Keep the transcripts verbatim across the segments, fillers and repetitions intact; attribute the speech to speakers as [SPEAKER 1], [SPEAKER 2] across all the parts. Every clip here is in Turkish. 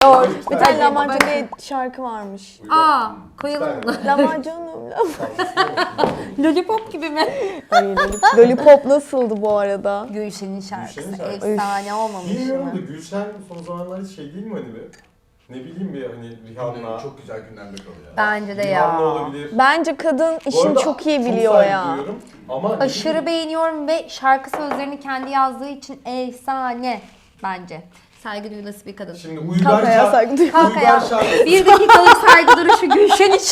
[SPEAKER 1] zor.
[SPEAKER 2] Bir tane lahmacun diye şarkı varmış.
[SPEAKER 1] Aa, koyalım mı?
[SPEAKER 2] Lahmacunum.
[SPEAKER 1] Lollipop gibi mi?
[SPEAKER 2] Ay, lollipop- Lollipop nasıldı bu arada?
[SPEAKER 1] Gülşen'in şarkısı
[SPEAKER 3] Gülşen'in şarkısı.
[SPEAKER 1] efsane olmamış
[SPEAKER 3] Bilmiyorum da
[SPEAKER 1] mı?
[SPEAKER 3] Gülşen son zamanlarda şey değil mi hani be? Ne bileyim bir hani Rihanna.
[SPEAKER 4] Çok güzel gündemde kalıyor.
[SPEAKER 1] Bence de
[SPEAKER 3] Rihanna
[SPEAKER 1] ya.
[SPEAKER 3] olabilir.
[SPEAKER 2] Bence kadın
[SPEAKER 3] Bu
[SPEAKER 2] işini
[SPEAKER 3] arada
[SPEAKER 2] çok iyi
[SPEAKER 3] çok
[SPEAKER 2] biliyor
[SPEAKER 3] saygı
[SPEAKER 2] ya.
[SPEAKER 3] duyuyorum Ama ne
[SPEAKER 1] Aşırı
[SPEAKER 3] bileyim,
[SPEAKER 1] beğeniyorum ve şarkı sözlerini kendi yazdığı için efsane bence. Saygı duyulası bir kadın.
[SPEAKER 3] Şimdi Uygar
[SPEAKER 2] Kankaya
[SPEAKER 3] şarkı.
[SPEAKER 2] saygı duyuyorum.
[SPEAKER 1] Kankaya.
[SPEAKER 3] Uygar şarkı.
[SPEAKER 1] Bir dakikalık saygı duruşu Gülşen için.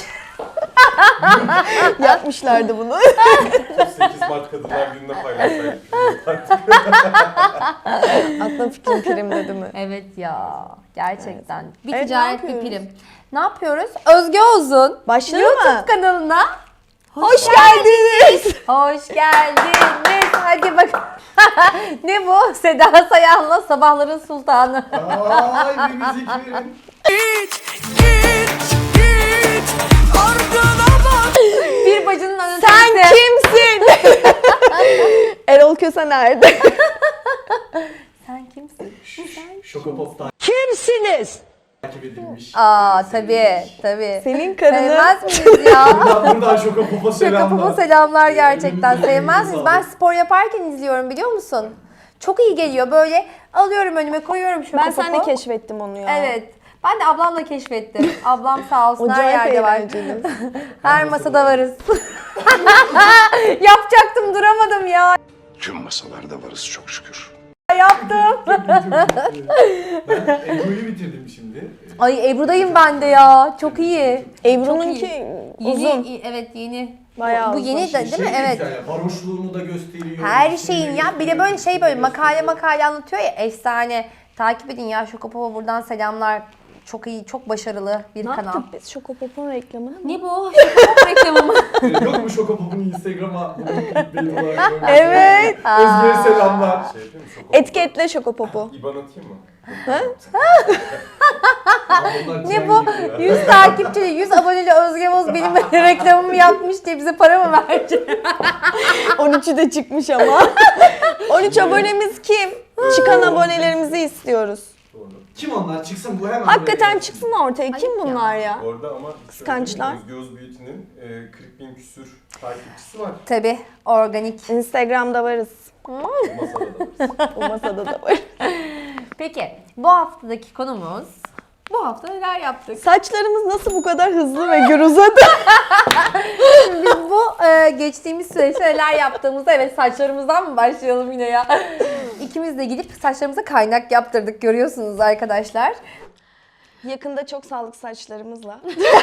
[SPEAKER 2] Yapmışlardı bunu.
[SPEAKER 3] otuz sekiz Mart Kadınlar Günü'nde paylaşsaydık.
[SPEAKER 2] Aklım fikrim prim dedi mi?
[SPEAKER 1] Evet ya, gerçekten. Bir
[SPEAKER 2] Evet, ne
[SPEAKER 1] ticaret bir
[SPEAKER 2] yapıyoruz?
[SPEAKER 1] prim. Ne yapıyoruz? Özge Ozun
[SPEAKER 2] Başlayalım
[SPEAKER 1] YouTube
[SPEAKER 2] mı?
[SPEAKER 1] kanalına
[SPEAKER 2] Hoş geldiniz.
[SPEAKER 1] hoş geldiniz. Hadi bak. Ne bu? Seda Sayan'la Sabahların Sultanı.
[SPEAKER 3] Ay bir müzik verin.
[SPEAKER 1] Bir bacının önünde.
[SPEAKER 2] Sen kimsin? Erol Köse nerede?
[SPEAKER 1] Sen kimsin?
[SPEAKER 4] Şokopop'tan
[SPEAKER 2] Kimsiniz?
[SPEAKER 4] takip edilmiş.
[SPEAKER 1] Aa tabii tabii.
[SPEAKER 2] Senin karını.
[SPEAKER 1] Sevmez miyiz ya?
[SPEAKER 4] Buradan, buradan Şokopop'a
[SPEAKER 1] Şaka
[SPEAKER 4] selamlar.
[SPEAKER 1] baba selamlar gerçekten.
[SPEAKER 4] Elinize
[SPEAKER 1] Sevmez miyiz?
[SPEAKER 4] sağlık.
[SPEAKER 1] Ben spor yaparken izliyorum biliyor musun? Çok iyi geliyor böyle alıyorum önüme koyuyorum şu
[SPEAKER 2] Ben seninle keşfettim onu ya.
[SPEAKER 1] Evet. Ben de ablamla keşfettim. Ablam sağ olsun her
[SPEAKER 2] Acayip
[SPEAKER 1] yerde var.
[SPEAKER 2] eğlenceli.
[SPEAKER 1] Her masada varız. Yapacaktım duramadım ya.
[SPEAKER 5] Tüm masalarda varız çok şükür.
[SPEAKER 1] Yaptım.
[SPEAKER 4] Ben Ebru'yu bitirdim şimdi.
[SPEAKER 1] Ay Ebru'dayım ben de ya. Çok iyi.
[SPEAKER 2] Ebru'nunki
[SPEAKER 1] Yeni,
[SPEAKER 2] uzun.
[SPEAKER 1] evet yeni.
[SPEAKER 2] Bayağı
[SPEAKER 1] Bu
[SPEAKER 2] uzun.
[SPEAKER 1] yeni de değil mi?
[SPEAKER 4] Şey de
[SPEAKER 1] Evet.
[SPEAKER 4] güzel ya, varoşluğunu da gösteriyor.
[SPEAKER 1] Her
[SPEAKER 4] işini de
[SPEAKER 1] şeyin ya. Bir de
[SPEAKER 4] gösteriyor,
[SPEAKER 1] böyle şey
[SPEAKER 4] işini
[SPEAKER 1] böyle
[SPEAKER 4] de
[SPEAKER 1] makale
[SPEAKER 4] gösteriyor.
[SPEAKER 1] makale anlatıyor ya. Efsane. Takip edin ya. Şokopop'a buradan selamlar. Çok iyi, çok başarılı bir
[SPEAKER 2] Ne
[SPEAKER 1] kanal.
[SPEAKER 2] yaptık biz Şokopop'un reklamını mı?
[SPEAKER 1] Ne bu? Şokopop reklamı mı?
[SPEAKER 4] Yok mu Şokopop'un Instagram'a bunu clickbait olarak koymak?
[SPEAKER 2] Evet.
[SPEAKER 4] Özge'ye selamlar.
[SPEAKER 3] Şey yapayım mı? Şoko-
[SPEAKER 2] Etiketle Şokopop'u.
[SPEAKER 3] İban atayım mı?
[SPEAKER 4] Bunlar
[SPEAKER 1] Ne
[SPEAKER 4] tren
[SPEAKER 1] bu?
[SPEAKER 4] gibi ya.
[SPEAKER 1] yüz takipçili, yüz aboneli Özge Boz benim reklamımı yapmış diye bize para mı verecek?
[SPEAKER 2] on üçü de çıkmış ama. on üç abonemiz kim? Çıkan abonelerimizi istiyoruz.
[SPEAKER 3] Doğru.
[SPEAKER 4] Kim onlar? Çıksın bu hemen.
[SPEAKER 2] Hakikaten
[SPEAKER 4] buraya.
[SPEAKER 2] çıksın ortaya. Kim
[SPEAKER 1] Ayıp ya.
[SPEAKER 2] bunlar ya?
[SPEAKER 3] Orada ama
[SPEAKER 2] Kıskançlar.
[SPEAKER 3] Özge Özbüyüt'ün e, kırk bin küsür takipçisi var.
[SPEAKER 1] Tabii, organik.
[SPEAKER 2] Instagram'da varız.
[SPEAKER 3] Masada da varız.
[SPEAKER 2] O masada da var.
[SPEAKER 1] Peki, bu haftadaki konumuz, bu hafta neler yaptık?
[SPEAKER 2] Saçlarımız nasıl bu kadar hızlı ve gür uzadı?
[SPEAKER 1] Biz bu e, geçtiğimiz süreçte neler yaptığımızda, evet saçlarımızdan mı başlayalım yine ya? İkimiz de gidip saçlarımıza kaynak yaptırdık, görüyorsunuz arkadaşlar.
[SPEAKER 2] Yakında çok sağlıklı saçlarımızla.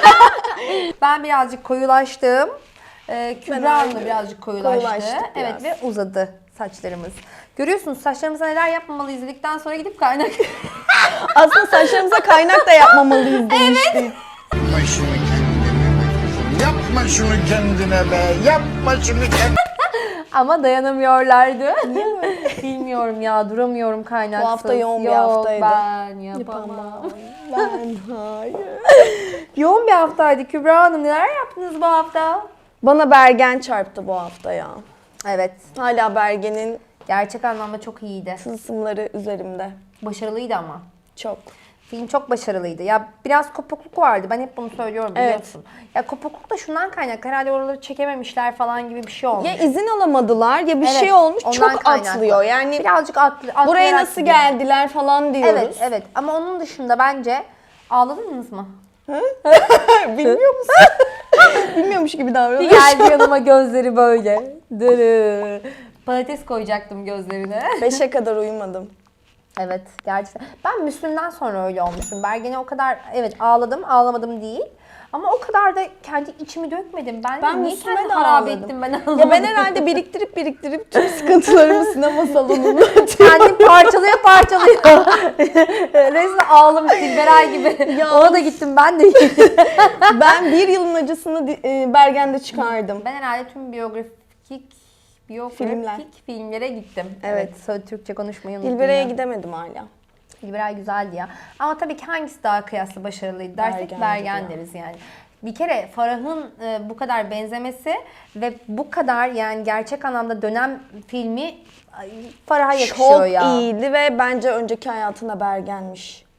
[SPEAKER 1] Ben birazcık koyulaştım. Ee, Kübra Hanım da
[SPEAKER 2] öyle
[SPEAKER 1] birazcık koyulaştı.
[SPEAKER 2] koyulaştık
[SPEAKER 1] Evet
[SPEAKER 2] biraz.
[SPEAKER 1] ve uzadı saçlarımız. Görüyorsunuz saçlarımıza neler yapmamalıyız dedikten sonra gidip kaynak.
[SPEAKER 2] Aslında saçlarımıza kaynak da yapmamalıyız demiştik.
[SPEAKER 5] Yapma şunu kendine. Yapma şunu kendine be. Yapma şunu kendine.
[SPEAKER 1] Ama dayanamıyorlardı. Niye böyle? Bilmiyorum ya duramıyorum kaynaksız.
[SPEAKER 2] Bu hafta yoğun bir
[SPEAKER 1] Yok,
[SPEAKER 2] haftaydı.
[SPEAKER 1] ben yapamam.
[SPEAKER 2] Yapamam. Ben hayır.
[SPEAKER 1] Yoğun bir haftaydı. Kübra Hanım neler yaptınız bu hafta?
[SPEAKER 2] Bana Bergen çarptı bu hafta ya.
[SPEAKER 1] Evet.
[SPEAKER 2] Hala Bergen'in
[SPEAKER 1] Gerçek anlamda çok iyiydi.
[SPEAKER 2] tılsımları üzerimde.
[SPEAKER 1] Başarılıydı ama.
[SPEAKER 2] Çok.
[SPEAKER 1] Film çok başarılıydı. Ya biraz kopukluk vardı. Ben hep bunu söylüyorum
[SPEAKER 2] Evet.
[SPEAKER 1] biliyorsun. Ya kopukluk da şundan kaynaklı. Herhalde oraları çekememişler falan gibi bir şey olmuş.
[SPEAKER 2] Ya izin alamadılar ya bir
[SPEAKER 1] Evet,
[SPEAKER 2] şey olmuş
[SPEAKER 1] ondan
[SPEAKER 2] çok
[SPEAKER 1] kaynaklı.
[SPEAKER 2] atlıyor. Yani
[SPEAKER 1] Birazcık atlı,
[SPEAKER 2] buraya
[SPEAKER 1] atlayarak
[SPEAKER 2] nasıl
[SPEAKER 1] gidiyor.
[SPEAKER 2] geldiler falan diyoruz.
[SPEAKER 1] Evet, evet. Ama onun dışında bence ağladınız mı?
[SPEAKER 2] Bilmiyor musun? Bilmiyormuş gibi
[SPEAKER 1] Bir
[SPEAKER 2] davranıyor.
[SPEAKER 1] geldi yanıma gözleri böyle. Dırı. Patates koyacaktım gözlerine.
[SPEAKER 2] Beşe kadar uyumadım.
[SPEAKER 1] Evet, gerçekten. Ben Müslüm'den sonra öyle olmuşum. Bergen'e o kadar, evet ağladım, ağlamadım değil. Ama o kadar da kendi içimi dökmedim. Ben,
[SPEAKER 2] Ben
[SPEAKER 1] niye
[SPEAKER 2] Müslüme
[SPEAKER 1] kendimi
[SPEAKER 2] de
[SPEAKER 1] harap
[SPEAKER 2] ağladım.
[SPEAKER 1] ettim ben anlamadım.
[SPEAKER 2] Ya ben herhalde biriktirip biriktirip tüm sıkıntılarımı sinema salonuna atıyorum.
[SPEAKER 1] Kendi parçalıyor parçalıyor. Resmen ağlamış Dilberay gibi.
[SPEAKER 2] Ya.
[SPEAKER 1] Ona da gittim ben de.
[SPEAKER 2] Ben bir yılın acısını di- e, Bergen'de çıkardım.
[SPEAKER 1] Ben herhalde tüm biyografik biyografik
[SPEAKER 2] Filmler.
[SPEAKER 1] filmlere gittim.
[SPEAKER 2] Evet.
[SPEAKER 1] Evet. Türkçe konuşmayı unuttum.
[SPEAKER 2] Dilbere'ye
[SPEAKER 1] ya.
[SPEAKER 2] gidemedim hala.
[SPEAKER 1] Dilberay güzeldi ya. Ama tabii ki hangisi daha kıyaslı başarılıydı dersek
[SPEAKER 2] Bergen'dir
[SPEAKER 1] Bergen
[SPEAKER 2] ya.
[SPEAKER 1] deriz yani. Bir kere Farah'ın e, bu kadar benzemesi ve bu kadar yani gerçek anlamda dönem filmi ay, Farah'a yakışıyor
[SPEAKER 2] Çok
[SPEAKER 1] ya.
[SPEAKER 2] iyiydi ve bence önceki hayatında Bergen'miş.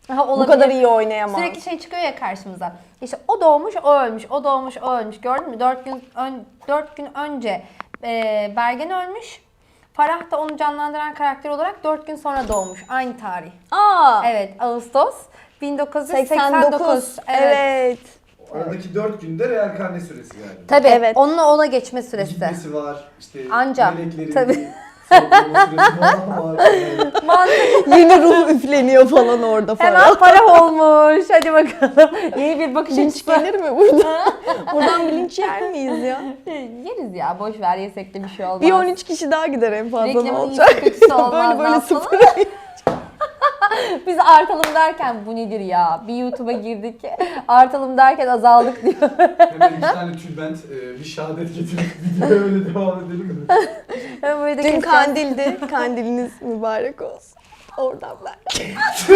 [SPEAKER 1] Ha,
[SPEAKER 2] Bu
[SPEAKER 1] olabilir.
[SPEAKER 2] kadar iyi oynayamaz.
[SPEAKER 1] Sürekli şey çıkıyor ya karşımıza. İşte o doğmuş, o ölmüş, o doğmuş, o ölmüş. Gördün mü? Dört gün ön, dört gün önce e, Bergen ölmüş. Farah da onu canlandıran karakter olarak dört gün sonra doğmuş. Aynı tarih.
[SPEAKER 2] Aa,
[SPEAKER 1] Evet, Ağustos bin dokuz yüz seksen
[SPEAKER 2] seksen
[SPEAKER 1] dokuz.
[SPEAKER 2] dokuz.
[SPEAKER 1] Evet.
[SPEAKER 2] Evet.
[SPEAKER 4] Aradaki dört günde reenkarne süresi yani.
[SPEAKER 1] Tabii.
[SPEAKER 2] Evet.
[SPEAKER 1] Onunla ona geçme süresi.
[SPEAKER 4] Gitmesi var, işte
[SPEAKER 1] Anca,
[SPEAKER 4] meleklerin
[SPEAKER 1] tabii.
[SPEAKER 4] bir soklama süresi falan var. Yani.
[SPEAKER 1] Mantıklı.
[SPEAKER 2] Yeni ruh üfleniyor falan orada falan.
[SPEAKER 1] Hemen para olmuş. Hadi bakalım. Yeni bir bakış
[SPEAKER 2] Linç
[SPEAKER 1] açısı.
[SPEAKER 2] gelir mi burada? Buradan bir linç yer miyiz ya?
[SPEAKER 1] Yeriz ya. Boş ver, yesek de bir şey olmaz.
[SPEAKER 2] Bir on üç kişi daha gider en fazla, ne
[SPEAKER 1] Reklamın
[SPEAKER 2] olacak?
[SPEAKER 1] iyisi kötüsü olmaz.
[SPEAKER 2] Böyle böyle
[SPEAKER 1] ne
[SPEAKER 2] sıfır.
[SPEAKER 1] yapalım? Biz artalım derken bu nedir ya? Bir YouTube'a girdik. Artalım derken azaldık diyor.
[SPEAKER 4] Hemen iki tane tülbent, e, bir şehadet getirip videoya öyle devam edelim mi?
[SPEAKER 1] Hemen böyle de
[SPEAKER 2] Dün
[SPEAKER 1] keseceğiz.
[SPEAKER 2] kandildi. Kandiliniz mübarek olsun. Oradan ben.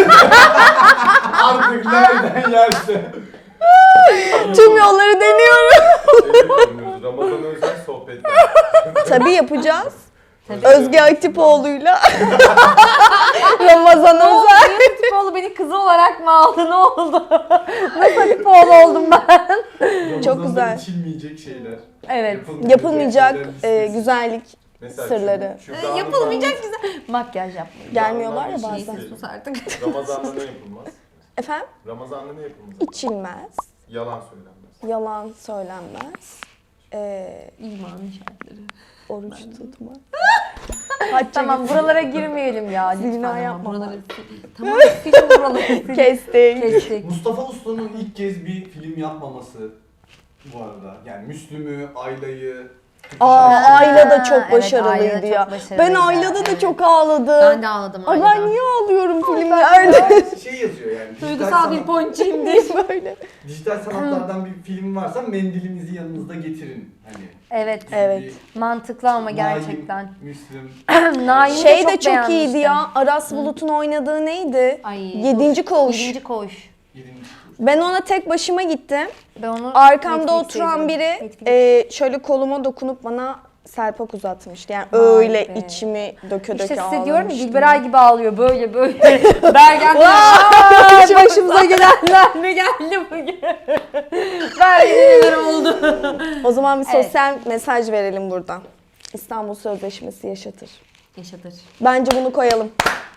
[SPEAKER 4] Artık nereden yerse.
[SPEAKER 2] Tüm yolları deniyorum.
[SPEAKER 3] Şey, Ramazan özel sohbetler.
[SPEAKER 2] Tabii yapacağız.
[SPEAKER 1] Tabii.
[SPEAKER 2] Özge Atipoğlu'yla Ramazan Özel.
[SPEAKER 1] Atipoğlu beni kızı olarak mı aldı? Ne oldu? Nasıl Atipoğlu oldum ben?
[SPEAKER 4] Ramazan'da
[SPEAKER 2] güzel.
[SPEAKER 4] içilmeyecek şeyler.
[SPEAKER 1] Evet.
[SPEAKER 2] Yapılmayacak
[SPEAKER 4] şeyler
[SPEAKER 2] e,
[SPEAKER 4] listesi.
[SPEAKER 2] güzellik
[SPEAKER 3] Mesela
[SPEAKER 2] sırları.
[SPEAKER 3] şu- şu
[SPEAKER 1] Yapılmayacak güzel. Makyaj yapmayın.
[SPEAKER 2] Gelmiyorlar ya
[SPEAKER 3] Ramazan'da
[SPEAKER 2] bazen.
[SPEAKER 3] bir şey
[SPEAKER 1] Sus artık.
[SPEAKER 3] Ramazan'da ne yapılmaz?
[SPEAKER 2] Efendim?
[SPEAKER 3] Ramazan'da ne yapılmaz?
[SPEAKER 2] İçilmez,
[SPEAKER 3] Yalan söylenmez.
[SPEAKER 2] yalan söylenmez, e,
[SPEAKER 1] İmanın şartları.
[SPEAKER 2] oruç tutma. Hacca
[SPEAKER 1] Tamam,
[SPEAKER 2] gitme.
[SPEAKER 1] buralara girmeyelim ya.
[SPEAKER 2] Zina
[SPEAKER 1] Lütfen ama
[SPEAKER 2] yapma.
[SPEAKER 1] buraları sil- Tamam, silin buraları. silin.
[SPEAKER 2] Kestik.
[SPEAKER 1] Kestik.
[SPEAKER 4] Mustafa Usta'nın ilk kez bir film yapmaması bu arada. Yani Müslüm'ü, Ayla'yı,
[SPEAKER 2] Aa,
[SPEAKER 1] Ha,
[SPEAKER 2] Ayla da çok
[SPEAKER 1] evet,
[SPEAKER 2] başarılıydı
[SPEAKER 1] Ayla da
[SPEAKER 2] ya.
[SPEAKER 1] çok başarılıydı.
[SPEAKER 2] Ben Ayla'da da
[SPEAKER 1] Evet.
[SPEAKER 2] çok ağladım.
[SPEAKER 1] Ben de ağladım
[SPEAKER 2] Ay
[SPEAKER 1] Ayla'dan.
[SPEAKER 2] ben niye ağlıyorum filmlerde?
[SPEAKER 4] şey yazıyor yani. dijital
[SPEAKER 1] Duygusal bir
[SPEAKER 4] sanat-
[SPEAKER 1] ponçiyim diye.
[SPEAKER 2] Böyle.
[SPEAKER 4] Dijital sanatlardan bir film varsa mendilinizi yanınızda getirin. Hani
[SPEAKER 1] Evet.
[SPEAKER 2] Evet.
[SPEAKER 4] bir
[SPEAKER 1] Mantıklı ama
[SPEAKER 4] Naim,
[SPEAKER 1] gerçekten.
[SPEAKER 4] Müslüm.
[SPEAKER 1] Naim'i
[SPEAKER 2] Şey de çok
[SPEAKER 1] beğenmiştim.
[SPEAKER 2] iyiydi ya. Aras Bulut'un oynadığı neydi?
[SPEAKER 1] Ay,
[SPEAKER 2] Yedinci Koğuş.
[SPEAKER 1] Yedinci koğuş.
[SPEAKER 4] Yedinci
[SPEAKER 2] Ben ona tek başıma gittim.
[SPEAKER 1] Ben onu
[SPEAKER 2] Arkamda
[SPEAKER 1] Netflix'te
[SPEAKER 2] oturan
[SPEAKER 1] izledim.
[SPEAKER 2] biri
[SPEAKER 1] Netflix.
[SPEAKER 2] e, şöyle koluma dokunup bana selpak uzatmıştı. Yani
[SPEAKER 1] Vay
[SPEAKER 2] öyle
[SPEAKER 1] be.
[SPEAKER 2] içimi döke döke
[SPEAKER 1] İşte size
[SPEAKER 2] ağlamıştım.
[SPEAKER 1] diyorum ya, Dilberay gibi ağlıyor böyle böyle. Bergen
[SPEAKER 2] Vay,
[SPEAKER 1] Vay, başımıza gelenler ne geldi bugün? Bergen'ler oldu.
[SPEAKER 2] O zaman bir
[SPEAKER 1] Evet.
[SPEAKER 2] sosyal mesaj verelim buradan. İstanbul Sözleşmesi yaşatır.
[SPEAKER 1] Yaşatır.
[SPEAKER 2] Bence bunu koyalım.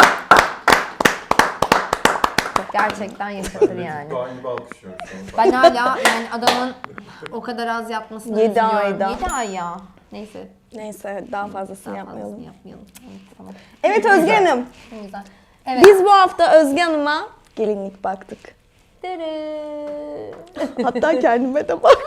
[SPEAKER 1] Gerçekten yaşatır
[SPEAKER 3] Ben de
[SPEAKER 1] yani.
[SPEAKER 3] Doğan gibi alkışlıyorum şu an.
[SPEAKER 1] Ben hala yani adamın o kadar az yapmasını
[SPEAKER 2] Yedi
[SPEAKER 1] üzülüyorum.
[SPEAKER 2] ayda.
[SPEAKER 1] Yedi ay ya. Neyse.
[SPEAKER 2] Neyse daha fazlasını
[SPEAKER 1] Daha
[SPEAKER 2] yapmayalım.
[SPEAKER 1] fazlasını yapmayalım. Evet, tamam.
[SPEAKER 2] Evet Özge Hanım.
[SPEAKER 1] O yüzden. Evet.
[SPEAKER 2] Biz bu hafta Özge Hanım'a gelinlik baktık.
[SPEAKER 1] Dırı.
[SPEAKER 2] Hatta kendime de baktım.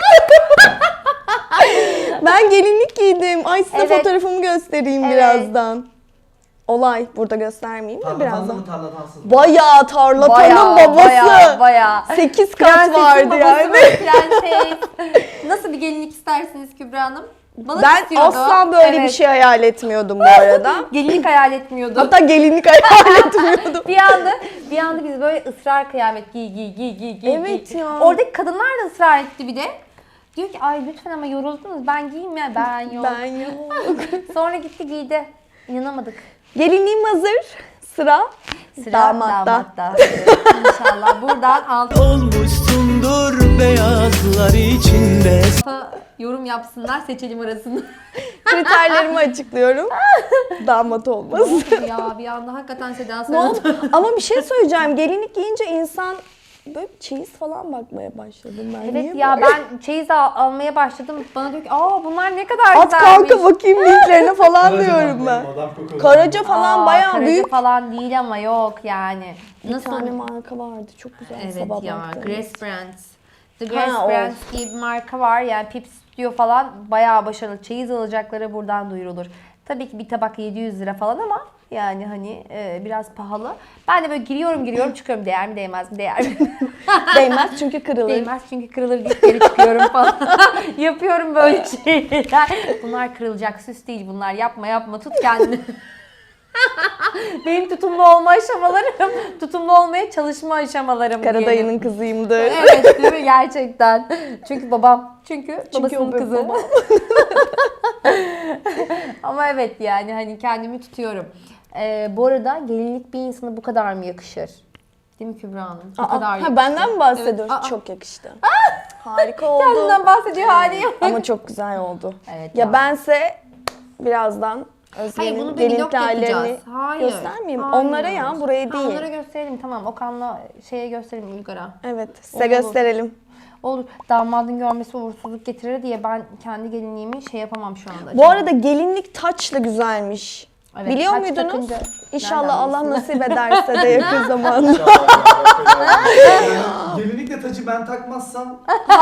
[SPEAKER 2] Ben gelinlik giydim. Ay size
[SPEAKER 1] Evet.
[SPEAKER 2] fotoğrafımı göstereyim
[SPEAKER 1] Evet.
[SPEAKER 2] birazdan. Olay. Burada göstermeyeyim de
[SPEAKER 4] Tarlatanlı
[SPEAKER 2] birazdan.
[SPEAKER 4] mı tarlatansız mı?
[SPEAKER 2] Bayağı tarlatanın
[SPEAKER 1] Bayağı,
[SPEAKER 2] babası.
[SPEAKER 1] bayağı, bayağı.
[SPEAKER 2] Sekiz kat
[SPEAKER 1] Prensesin
[SPEAKER 2] vardı
[SPEAKER 1] babası
[SPEAKER 2] yani.
[SPEAKER 1] böyle, prenses. Nasıl bir gelinlik istersiniz Kübra Hanım? Balık
[SPEAKER 2] Ben
[SPEAKER 1] istiyordu.
[SPEAKER 2] asla böyle bir
[SPEAKER 1] Evet.
[SPEAKER 2] şey hayal etmiyordum bu arada.
[SPEAKER 1] Gelinlik hayal etmiyordu.
[SPEAKER 2] Hatta gelinlik hayal etmiyordum.
[SPEAKER 1] bir anda bir anda biz böyle ısrar kıyamet giy giy giy giy giy.
[SPEAKER 2] Evet
[SPEAKER 1] giy.
[SPEAKER 2] ya.
[SPEAKER 1] Oradaki kadınlar da ısrar etti bir de. Diyor ki ay lütfen ama yoruldunuz ben giyeyim ya. Ben yok.
[SPEAKER 2] Ben yok.
[SPEAKER 1] Sonra gitti giydi. İnanamadık.
[SPEAKER 2] Gelinliğim hazır. Sıra,
[SPEAKER 1] Sıra
[SPEAKER 2] damatta.
[SPEAKER 1] damatta. İnşallah buradan alt
[SPEAKER 6] Olmuşsundur beyazlar içinde.
[SPEAKER 1] yorum yapsınlar seçelim arasında.
[SPEAKER 2] Kriterlerimi açıklıyorum. Damat olmaz.
[SPEAKER 1] ya bir anda hakikaten Seda
[SPEAKER 2] Ne oldu?
[SPEAKER 1] Sayan.
[SPEAKER 2] Ama bir şey söyleyeceğim. Gelinlik giyince insan böyle çeyiz falan bakmaya başladım ben.
[SPEAKER 1] Evet
[SPEAKER 2] Niye
[SPEAKER 1] ya
[SPEAKER 2] böyle?
[SPEAKER 1] ben çeyiz al- almaya başladım. Bana diyor ki aa bunlar ne kadar
[SPEAKER 2] At
[SPEAKER 1] güzelmiş.
[SPEAKER 2] kanka bakayım linklerine falan
[SPEAKER 4] Karaca
[SPEAKER 2] diyorum ben.
[SPEAKER 4] Madame, Madame Coco'nun.
[SPEAKER 2] Karaca falan
[SPEAKER 1] Aa,
[SPEAKER 2] bayağı
[SPEAKER 1] Karaca
[SPEAKER 2] büyük.
[SPEAKER 1] falan değil ama yok yani.
[SPEAKER 2] Bir
[SPEAKER 1] Nasıl?
[SPEAKER 2] tane marka vardı çok güzel
[SPEAKER 1] Evet
[SPEAKER 2] sabah
[SPEAKER 1] ya
[SPEAKER 2] baktım.
[SPEAKER 1] Grace Brands. The
[SPEAKER 2] Ha,
[SPEAKER 1] Grace
[SPEAKER 2] o.
[SPEAKER 1] Brands diye bir marka var yani Pip Studio falan bayağı başarılı. Çeyiz alacakları buradan duyurulur. Tabii ki bir tabak yedi yüz lira falan ama yani hani e, biraz pahalı. Ben de böyle giriyorum giriyorum çıkıyorum değer mi değmez mi değer mi?
[SPEAKER 2] Değmez çünkü kırılır.
[SPEAKER 1] Değmez çünkü kırılır deyip geri çıkıyorum falan. Yapıyorum böyle şeyler. Bunlar kırılacak süs değil bunlar. Yapma yapma tut kendini. Benim tutumlu olma aşamalarım, tutumlu olmaya çalışma aşamalarım. diyelim.
[SPEAKER 2] Karadayının kızıyımdır.
[SPEAKER 1] Evet değil mi gerçekten? Çünkü babam, çünkü,
[SPEAKER 2] Çünkü
[SPEAKER 1] babasının
[SPEAKER 2] o benim
[SPEAKER 1] kızı.
[SPEAKER 2] babam.
[SPEAKER 1] Ama evet yani hani kendimi tutuyorum. Ee, bu arada gelinlik bir insana bu kadar mı yakışır? Değil mi Kübra Hanım? O
[SPEAKER 2] Aa,
[SPEAKER 1] kadar
[SPEAKER 2] ha,
[SPEAKER 1] yakıştı.
[SPEAKER 2] benden mi bahsediyorsun?
[SPEAKER 1] Evet, aa.
[SPEAKER 2] Çok yakıştı. Harika oldu.
[SPEAKER 1] Kendinden bahsediyor hali yok.
[SPEAKER 2] Ama çok güzel oldu.
[SPEAKER 1] Evet
[SPEAKER 2] ya
[SPEAKER 1] ya.
[SPEAKER 2] bense birazdan
[SPEAKER 1] Hayır
[SPEAKER 2] Özlem'in
[SPEAKER 1] bunu bir vlog
[SPEAKER 2] gelinlikli hallerini
[SPEAKER 1] yapacağız. Hayır.
[SPEAKER 2] göstermeyeyim.
[SPEAKER 1] Hayır.
[SPEAKER 2] Onlara ya, buraya
[SPEAKER 1] Ha,
[SPEAKER 2] değil.
[SPEAKER 1] onlara gösterelim tamam. Okan'la şeye gösterelim Uygar'a.
[SPEAKER 2] Evet, size
[SPEAKER 1] Olur.
[SPEAKER 2] gösterelim.
[SPEAKER 1] Olur. Damadın görmesi uğursuzluk getirir diye ben kendi gelinliğimi şey yapamam şu anda.
[SPEAKER 2] Bu arada gelinlik taçla güzelmiş.
[SPEAKER 1] Evet,
[SPEAKER 2] Biliyor
[SPEAKER 1] taç
[SPEAKER 2] muydunuz?
[SPEAKER 1] takınca-
[SPEAKER 2] İnşallah
[SPEAKER 1] Nereden
[SPEAKER 2] Allah
[SPEAKER 1] bilsin?
[SPEAKER 2] nasip ederse de yakın zamanda.
[SPEAKER 4] Yani gelinlikle tacı ben takmazsam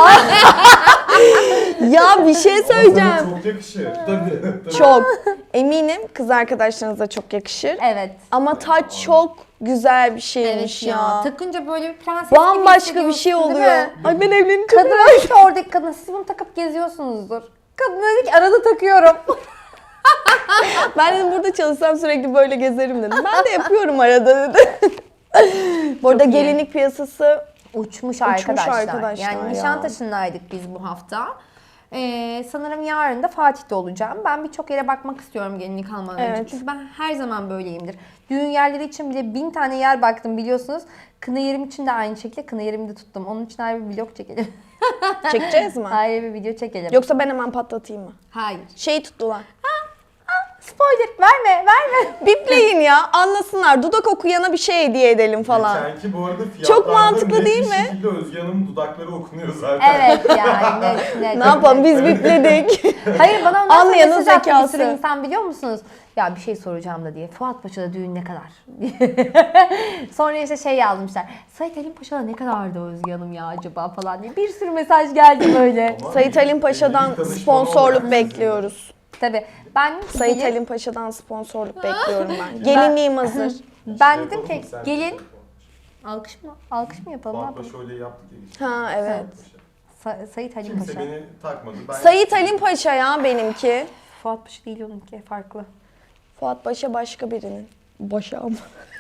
[SPEAKER 2] Ya bir şey söyleyeceğim.
[SPEAKER 3] Çok yakışır.
[SPEAKER 4] tabii. tabii.
[SPEAKER 2] Çok. Eminim kız arkadaşlarınıza çok yakışır.
[SPEAKER 1] Evet.
[SPEAKER 2] Ama taç çok güzel bir şeymiş
[SPEAKER 1] Evet
[SPEAKER 2] ya.
[SPEAKER 1] ya. Takınca böyle bir prenses gibi
[SPEAKER 2] Bambaşka bir şey
[SPEAKER 1] hissediyorsun,
[SPEAKER 2] oluyor.
[SPEAKER 1] değil mi?
[SPEAKER 2] Ay ben evleneceğim.
[SPEAKER 1] Kadın dedi ki oradaki kadına siz bunu takıp geziyorsunuzdur. Kadın dedi ki arada takıyorum.
[SPEAKER 2] Ben dedim burada çalışsam sürekli böyle gezerim dedim. Ben de yapıyorum arada dedi. Bu arada
[SPEAKER 1] iyi.
[SPEAKER 2] gelinlik piyasası
[SPEAKER 1] Uçmuş arkadaşlar.
[SPEAKER 2] arkadaşlar
[SPEAKER 1] yani
[SPEAKER 2] ya.
[SPEAKER 1] Nişantaşı'ndaydık biz bu hafta. Ee, sanırım yarın da Fatih'te olacağım. Ben birçok yere bakmak istiyorum gelinlik almadan önce.
[SPEAKER 2] Evet.
[SPEAKER 1] Çünkü ben her zaman böyleyimdir. Düğün yerleri için bile bin tane yer baktım biliyorsunuz. Kına yerim için de aynı şekilde kına yerimi de tuttum. Onun için ayrı bir vlog çekelim.
[SPEAKER 2] çekeceğiz mi?
[SPEAKER 1] ayrı bir video çekelim.
[SPEAKER 2] Yoksa ben hemen patlatayım mı?
[SPEAKER 1] Hayır.
[SPEAKER 2] Şeyi tuttular.
[SPEAKER 1] Spoiler verme verme.
[SPEAKER 2] Bipleyin ya, anlasınlar. Dudak okuyana bir şey hediye edelim falan.
[SPEAKER 3] Geçenki bu arada fiyatlarda
[SPEAKER 2] Çok mantıklı
[SPEAKER 3] net
[SPEAKER 2] değil
[SPEAKER 3] bir
[SPEAKER 2] mi?
[SPEAKER 3] şekilde Özge Hanım'ın dudakları okunuyor zaten.
[SPEAKER 1] Evet yani net net.
[SPEAKER 2] Ne yapalım, biz bipledik.
[SPEAKER 1] Hayır bana ondan sonra
[SPEAKER 2] Anlayanın
[SPEAKER 1] mesaj attı bir
[SPEAKER 2] zekası.
[SPEAKER 1] sürü insan biliyor musunuz? Ya bir şey soracağım da diye. Fuat Paşa'da düğün ne kadar? Sonra işte şey yazmışlar. Sait Halim Paşa'da ne kadardı Özge Hanım ya acaba falan diye. Bir sürü mesaj geldi böyle.
[SPEAKER 3] Ama
[SPEAKER 2] Sayit Halim
[SPEAKER 3] evlilik
[SPEAKER 2] Paşa'dan
[SPEAKER 3] danışmanı
[SPEAKER 2] sponsorluk
[SPEAKER 3] olarak
[SPEAKER 2] bekliyoruz.
[SPEAKER 1] Tabii. Ben
[SPEAKER 2] Sayit
[SPEAKER 1] gelin-
[SPEAKER 2] Halim Paşa'dan sponsorluk bekliyorum ben. Gelinliğim hazır.
[SPEAKER 1] ben
[SPEAKER 3] Şey
[SPEAKER 1] dedim
[SPEAKER 3] yapalım
[SPEAKER 1] ki
[SPEAKER 3] mı? Sen
[SPEAKER 1] gelin
[SPEAKER 3] şey yapalım.
[SPEAKER 1] alkış mı? Alkış mı yapalım? Ne
[SPEAKER 3] Fuat
[SPEAKER 1] yapalım?
[SPEAKER 3] Paşa öyle yaptık ya. geçen.
[SPEAKER 2] Ha evet.
[SPEAKER 1] Sa- Sayit Halim
[SPEAKER 3] Kimse
[SPEAKER 1] Paşa.
[SPEAKER 3] beni takmadı. Ben
[SPEAKER 2] Sayit Halim Paşa ya benimki.
[SPEAKER 1] Fuat Paşa değil onunki farklı.
[SPEAKER 2] Fuat Paşa başka birinin. Başa ama.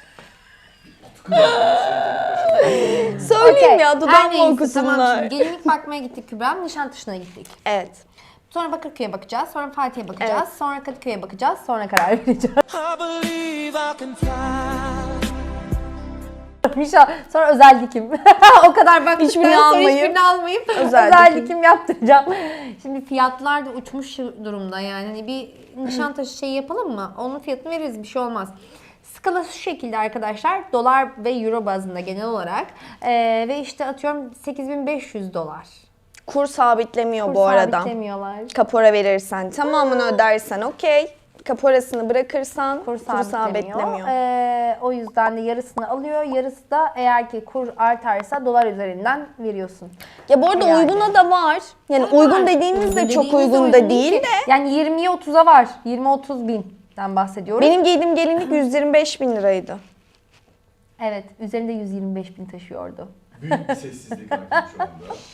[SPEAKER 2] Söyleyeyim
[SPEAKER 1] Okey.
[SPEAKER 2] ya,
[SPEAKER 1] Her
[SPEAKER 2] dudağımı
[SPEAKER 1] neyse,
[SPEAKER 2] okusunlar.
[SPEAKER 1] Tamam, şimdi gelinlik bakmaya gittik Kübra. Nişantaşı'na gittik.
[SPEAKER 2] Evet.
[SPEAKER 1] Sonra Bakırköy'e bakacağız, sonra Fatih'e bakacağız,
[SPEAKER 2] Evet.
[SPEAKER 1] sonra Kadıköy'e bakacağız, sonra karar vereceğiz.
[SPEAKER 6] I believe I can fly.
[SPEAKER 1] Mişa, sonra özel dikim. O kadar baktıktan
[SPEAKER 2] Hiçbirini
[SPEAKER 1] sonra
[SPEAKER 2] almayıp,
[SPEAKER 1] hiçbirini almayıp
[SPEAKER 2] özel
[SPEAKER 1] özel,
[SPEAKER 2] dikim.
[SPEAKER 1] dikim. yaptıracağım. Şimdi fiyatlar da uçmuş durumda yani. Hani bir Nişantaşı şeyi yapalım mı? Onun fiyatını veririz, bir şey olmaz. Skala şu şekilde arkadaşlar. Dolar ve euro bazında genel olarak. Ee, ve işte atıyorum sekiz bin beş yüz dolar.
[SPEAKER 2] Kur sabitlemiyor
[SPEAKER 1] Kur
[SPEAKER 2] bu arada.
[SPEAKER 1] sabitlemiyorlar.
[SPEAKER 2] Kapora verirsen, tamamını ödersen okey. Kaporasını bırakırsan
[SPEAKER 1] Kur
[SPEAKER 2] kur
[SPEAKER 1] sabitlemiyor.
[SPEAKER 2] sabitlemiyor.
[SPEAKER 1] Ee, o yüzden de yarısını alıyor. Yarısı da eğer ki kur artarsa dolar üzerinden veriyorsun.
[SPEAKER 2] Ya bu arada
[SPEAKER 1] Yani.
[SPEAKER 2] uyguna da var. Yani uygun dediğimiz de çok
[SPEAKER 1] Dediğimiz
[SPEAKER 2] uygun da değil
[SPEAKER 1] ki.
[SPEAKER 2] de.
[SPEAKER 1] Yani yirmiye otuza var. yirmi otuz binden bahsediyoruz.
[SPEAKER 2] Benim giydiğim gelinlik yüz yirmi beş bin liraydı.
[SPEAKER 1] Evet, üzerinde yüz yirmi beş bin taşıyordu.
[SPEAKER 4] Büyük bir sessizlik hakim şu anda.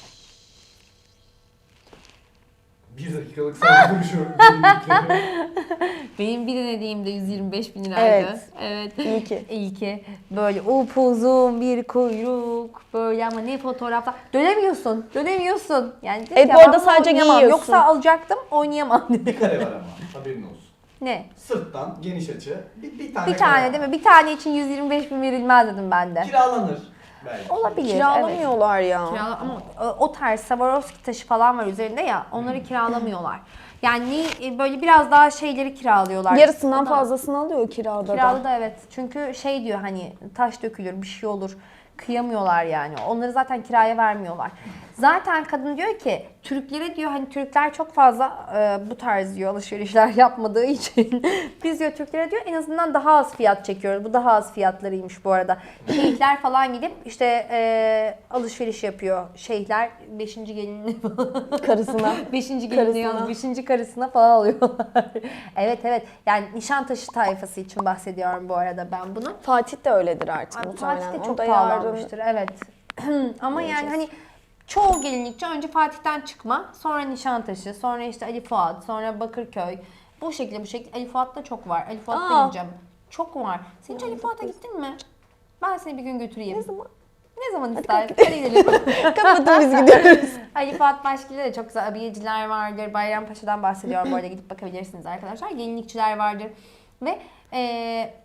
[SPEAKER 4] Bir dakikalık saygı duruşu gelinlikle.
[SPEAKER 1] Benim bir denediğimde yüz yirmi beş bin liraydı.
[SPEAKER 2] Evet.
[SPEAKER 1] Evet.
[SPEAKER 2] İyi ki.
[SPEAKER 1] İyi ki. Böyle upuzun bir kuyruk. Böyle ama ne fotoğraflar. Dönemiyorsun. Dönemiyorsun. Yani dedim
[SPEAKER 2] Evet,
[SPEAKER 1] ki,
[SPEAKER 2] bu
[SPEAKER 1] ben
[SPEAKER 2] arada
[SPEAKER 1] bunu
[SPEAKER 2] sadece
[SPEAKER 1] oynayamam.
[SPEAKER 2] giyiyorsun.
[SPEAKER 1] Yoksa alacaktım, oynayamam.
[SPEAKER 4] Bir kare var ama haberin olsun.
[SPEAKER 1] Ne?
[SPEAKER 4] Sırttan geniş açı bir, bir tane
[SPEAKER 1] Bir
[SPEAKER 4] kare
[SPEAKER 1] tane
[SPEAKER 4] var.
[SPEAKER 1] değil mi? Bir tane için yüz yirmi beş bin verilmez dedim ben de.
[SPEAKER 4] Kiralanır belki.
[SPEAKER 1] Olabilir. Evet.
[SPEAKER 2] Kiralamıyorlar ya.
[SPEAKER 1] Kirala- ama o- o tarz Swarovski taşı falan var üzerinde ya, onları kiralamıyorlar. Yani e, böyle biraz daha şeyleri kiralıyorlar.
[SPEAKER 2] Yarısından
[SPEAKER 1] O da-
[SPEAKER 2] fazlasını alıyor kirada
[SPEAKER 1] Kiralı
[SPEAKER 2] da.
[SPEAKER 1] da evet. Çünkü şey diyor hani taş dökülür, bir şey olur. Kıyamıyorlar yani. Onları zaten kiraya vermiyorlar. Zaten kadın diyor ki Türklere diyor hani Türkler çok fazla e, bu tarz diyor alışverişler yapmadığı için biz diyor Türklere diyor en azından daha az fiyat çekiyoruz. Bu daha az fiyatlarıymış bu arada. Şeyhler falan gidip işte e, alışveriş yapıyor. Şeyhler beşinci gelinini
[SPEAKER 2] Karısına.
[SPEAKER 1] Beşinci
[SPEAKER 2] Karısına.
[SPEAKER 1] gelinliği alıp beşinci karısına falan alıyorlar. evet evet. Yani Nişantaşı tayfası için bahsediyorum bu arada ben bunu.
[SPEAKER 2] Fatih de öyledir artık
[SPEAKER 1] Ay,
[SPEAKER 2] muhtemelen.
[SPEAKER 1] Fatih de
[SPEAKER 2] O
[SPEAKER 1] çok
[SPEAKER 2] da
[SPEAKER 1] pahalanmıştır. Evet. Ama yani hani çoğu gelinlikçi önce Fatih'ten çıkma, sonra Nişantaşı, sonra işte Ali Fuat, sonra Bakırköy. Bu şekilde bu şekilde. Ali Fuat'ta çok var. Ali Fuat'ta
[SPEAKER 2] Aa.
[SPEAKER 1] gideceğim. Çok var. Sen hiç Ali Fuat'a gittin mi? Ben seni bir gün götüreyim.
[SPEAKER 2] Ne zaman?
[SPEAKER 1] Ne zaman ister? Hadi gidelim.
[SPEAKER 2] Kapatın biz gidiyoruz.
[SPEAKER 1] Ali Fuat Başkili'de de çok güzel abiyeciler vardır. Bayrampaşa'dan bahsediyorum. Bu arada gidip bakabilirsiniz arkadaşlar. Gelinlikçiler vardır. Ve eee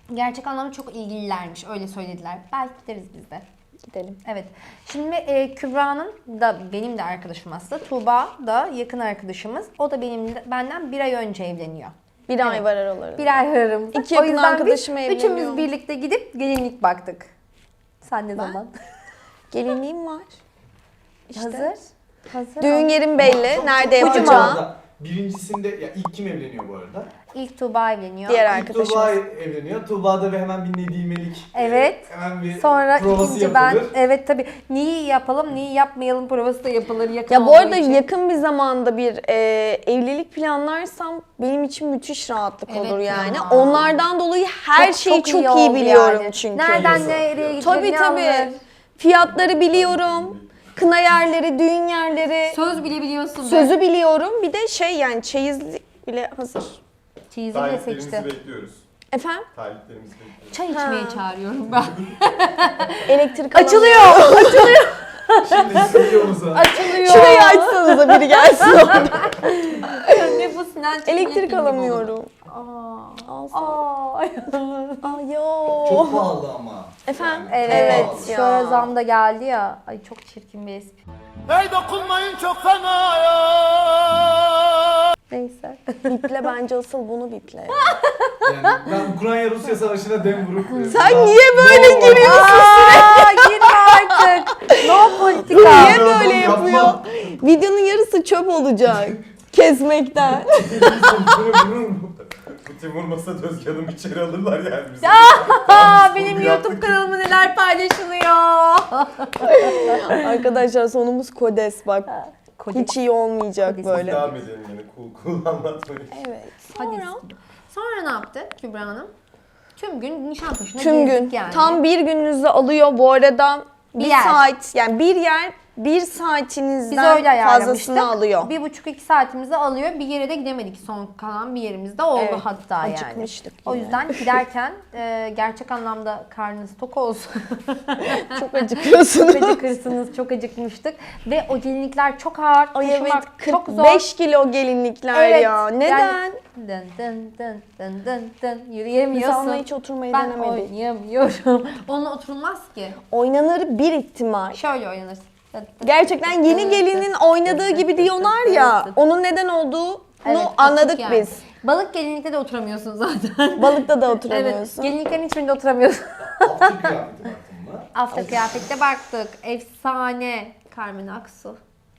[SPEAKER 1] Gerçek anlamda çok ilgililermiş. Öyle söylediler. Belki gideriz biz de.
[SPEAKER 2] Gidelim.
[SPEAKER 1] Evet. Şimdi e, Kübra'nın da benim de arkadaşım aslında. Tuğba da yakın arkadaşımız. O da benim benden bir ay önce evleniyor.
[SPEAKER 2] Bir ay var aralarında.
[SPEAKER 1] Bir ay aramızda.
[SPEAKER 2] İki
[SPEAKER 1] O
[SPEAKER 2] yakın
[SPEAKER 1] yüzden
[SPEAKER 2] arkadaşım
[SPEAKER 1] biz
[SPEAKER 2] evleniyor.
[SPEAKER 1] üçümüz birlikte gidip gelinlik baktık. Sen ne
[SPEAKER 2] Ben?
[SPEAKER 1] zaman?
[SPEAKER 2] Gelinliğim var. İşte.
[SPEAKER 1] Hazır. Hazır.
[SPEAKER 2] Düğün yerim belli.
[SPEAKER 4] Çok-
[SPEAKER 2] Nerede
[SPEAKER 4] çok
[SPEAKER 2] yapacağım?
[SPEAKER 4] arada. Birincisinde, ya ilk kim evleniyor bu arada?
[SPEAKER 1] İlk Tuğba evleniyor.
[SPEAKER 2] Diğer
[SPEAKER 4] İlk
[SPEAKER 2] arkadaşımız.
[SPEAKER 4] Tuğba evleniyor. Tuğba'da bir hemen bir nedimelik.
[SPEAKER 1] Evet.
[SPEAKER 4] e, Hemen bir
[SPEAKER 1] Sonra
[SPEAKER 4] provası
[SPEAKER 1] ikinci ben,
[SPEAKER 4] yapılır.
[SPEAKER 1] evet tabii. Neyi yapalım, neyi yapmayalım provası da yapılır yakın
[SPEAKER 2] Ya bu
[SPEAKER 1] olduğu
[SPEAKER 2] arada
[SPEAKER 1] için.
[SPEAKER 2] yakın bir zamanda bir e, evlilik planlarsam benim için müthiş rahatlık
[SPEAKER 1] Evet
[SPEAKER 2] olur yani.
[SPEAKER 1] ya.
[SPEAKER 2] Onlardan dolayı her
[SPEAKER 1] Çok-
[SPEAKER 2] şeyi çok, iyi,
[SPEAKER 1] oldu
[SPEAKER 2] biliyorum
[SPEAKER 1] yani.
[SPEAKER 2] çünkü.
[SPEAKER 1] Nereden
[SPEAKER 4] Piyasa.
[SPEAKER 1] nereye gidecek,
[SPEAKER 2] Tabii
[SPEAKER 1] ne
[SPEAKER 2] tabii.
[SPEAKER 1] alınır.
[SPEAKER 2] Fiyatları biliyorum. Kına yerleri, düğün yerleri.
[SPEAKER 1] Söz bile biliyorsun. be.
[SPEAKER 2] Sözü biliyorum. Bir de şey yani çeyizlik bile hazır.
[SPEAKER 1] Çeyizini de
[SPEAKER 3] Taliplerimizi
[SPEAKER 1] seçti.
[SPEAKER 3] bekliyoruz.
[SPEAKER 2] Efendim?
[SPEAKER 3] Taliplerimizi bekliyoruz.
[SPEAKER 1] Çay
[SPEAKER 2] Ha.
[SPEAKER 1] içmeye çağırıyorum ben.
[SPEAKER 2] Elektrik
[SPEAKER 1] Açılıyor.
[SPEAKER 2] alamıyorum.
[SPEAKER 4] Şimdi stüdyomuza.
[SPEAKER 1] Açılıyor.
[SPEAKER 2] Şurayı açsanıza biri gelsin.
[SPEAKER 1] Ne bu Sinan Çetin'in
[SPEAKER 2] Elektrik
[SPEAKER 1] filmi bu.
[SPEAKER 2] alamıyorum.
[SPEAKER 1] Aa.
[SPEAKER 2] Alsana.
[SPEAKER 1] Aa.
[SPEAKER 2] Aa yo.
[SPEAKER 4] Çok pahalı ama.
[SPEAKER 2] Efendim?
[SPEAKER 4] Yani,
[SPEAKER 1] Evet.
[SPEAKER 4] çok pahalı.
[SPEAKER 2] ya.
[SPEAKER 1] Şu ara zam da geldi ya. Ay çok çirkin bir espri.
[SPEAKER 6] Hey dokunmayın çok fena ya.
[SPEAKER 1] Neyse.
[SPEAKER 2] Biple bence asıl bunu biple.
[SPEAKER 4] Yani ben Ukrayna-Rusya savaşına dem vurup...
[SPEAKER 2] Sen niye böyle giriyorsun?
[SPEAKER 1] Aa, girme artık. No politika.
[SPEAKER 2] Niye böyle
[SPEAKER 4] Yapma.
[SPEAKER 2] yapıyor? Videonun yarısı çöp olacak. Kesmekten.
[SPEAKER 3] Bu Timur Masa Özge Hanım içeri alırlar yani bizi.
[SPEAKER 1] Aa, benim YouTube kanalımda neler paylaşılıyor.
[SPEAKER 2] Arkadaşlar sonumuz kodes bak.
[SPEAKER 1] Kodes.
[SPEAKER 2] Hiç iyi olmayacak
[SPEAKER 1] Kodes.
[SPEAKER 2] böyle.
[SPEAKER 3] Devam edelim yani cool cool anlatmayın.
[SPEAKER 2] Evet.
[SPEAKER 1] Hadi.
[SPEAKER 2] Sonra
[SPEAKER 1] Sonra ne yaptı Kübra Hanım? Tüm gün Nişantaşı'na
[SPEAKER 2] tüm
[SPEAKER 1] gezdik
[SPEAKER 2] gün
[SPEAKER 1] yani.
[SPEAKER 2] tam bir gününüzü alıyor bu arada. Bir,
[SPEAKER 1] Bir yer.
[SPEAKER 2] saat yani bir yer bir
[SPEAKER 1] Biz
[SPEAKER 2] saatinizden
[SPEAKER 1] öyle ayarlamıştık.
[SPEAKER 2] fazlasını alıyor.
[SPEAKER 1] Bir buçuk iki saatimizi alıyor. Bir yere de gidemedik. Son kalan bir yerimizde oldu
[SPEAKER 2] Evet,
[SPEAKER 1] hatta yani.
[SPEAKER 2] acıkmıştık
[SPEAKER 1] O
[SPEAKER 2] yine.
[SPEAKER 1] yüzden giderken e, gerçek anlamda karnınız tok olsun.
[SPEAKER 2] Çok acıkıyorsunuz.
[SPEAKER 1] Çok acıkırsınız. Çok acıkmıştık. Ve o gelinlikler çok ağır.
[SPEAKER 2] Ay evet
[SPEAKER 1] taşımak çok
[SPEAKER 2] kırk
[SPEAKER 1] zor.
[SPEAKER 2] beş kilo gelinlikler
[SPEAKER 1] Evet,
[SPEAKER 2] ya. Neden?
[SPEAKER 1] yani dın dın dın dın dın dın
[SPEAKER 2] Biz
[SPEAKER 1] yürüyemiyorsun.
[SPEAKER 2] onunla hiç oturmayı
[SPEAKER 1] Ben
[SPEAKER 2] denemedik.
[SPEAKER 1] oynayamıyorum. Onunla oturulmaz ki.
[SPEAKER 2] Oynanır bir ihtimal.
[SPEAKER 1] Şöyle oynanırsın. Dın dın.
[SPEAKER 2] Gerçekten yeni gelinin oynadığı gibi diyorlar ya. Onun neden olduğunu
[SPEAKER 1] Evet, açık
[SPEAKER 2] anladık
[SPEAKER 1] yani.
[SPEAKER 2] biz.
[SPEAKER 1] Balık gelinlikte de oturamıyorsun zaten.
[SPEAKER 2] Balıkta da
[SPEAKER 1] Evet,
[SPEAKER 2] oturamıyorsun.
[SPEAKER 1] gelinliklerin hiçbirinde oturamıyorsun.
[SPEAKER 4] Altı kıyafeti baktın mı?
[SPEAKER 1] Hafta kıyafette baktık. Efsane. Carmen Aksu.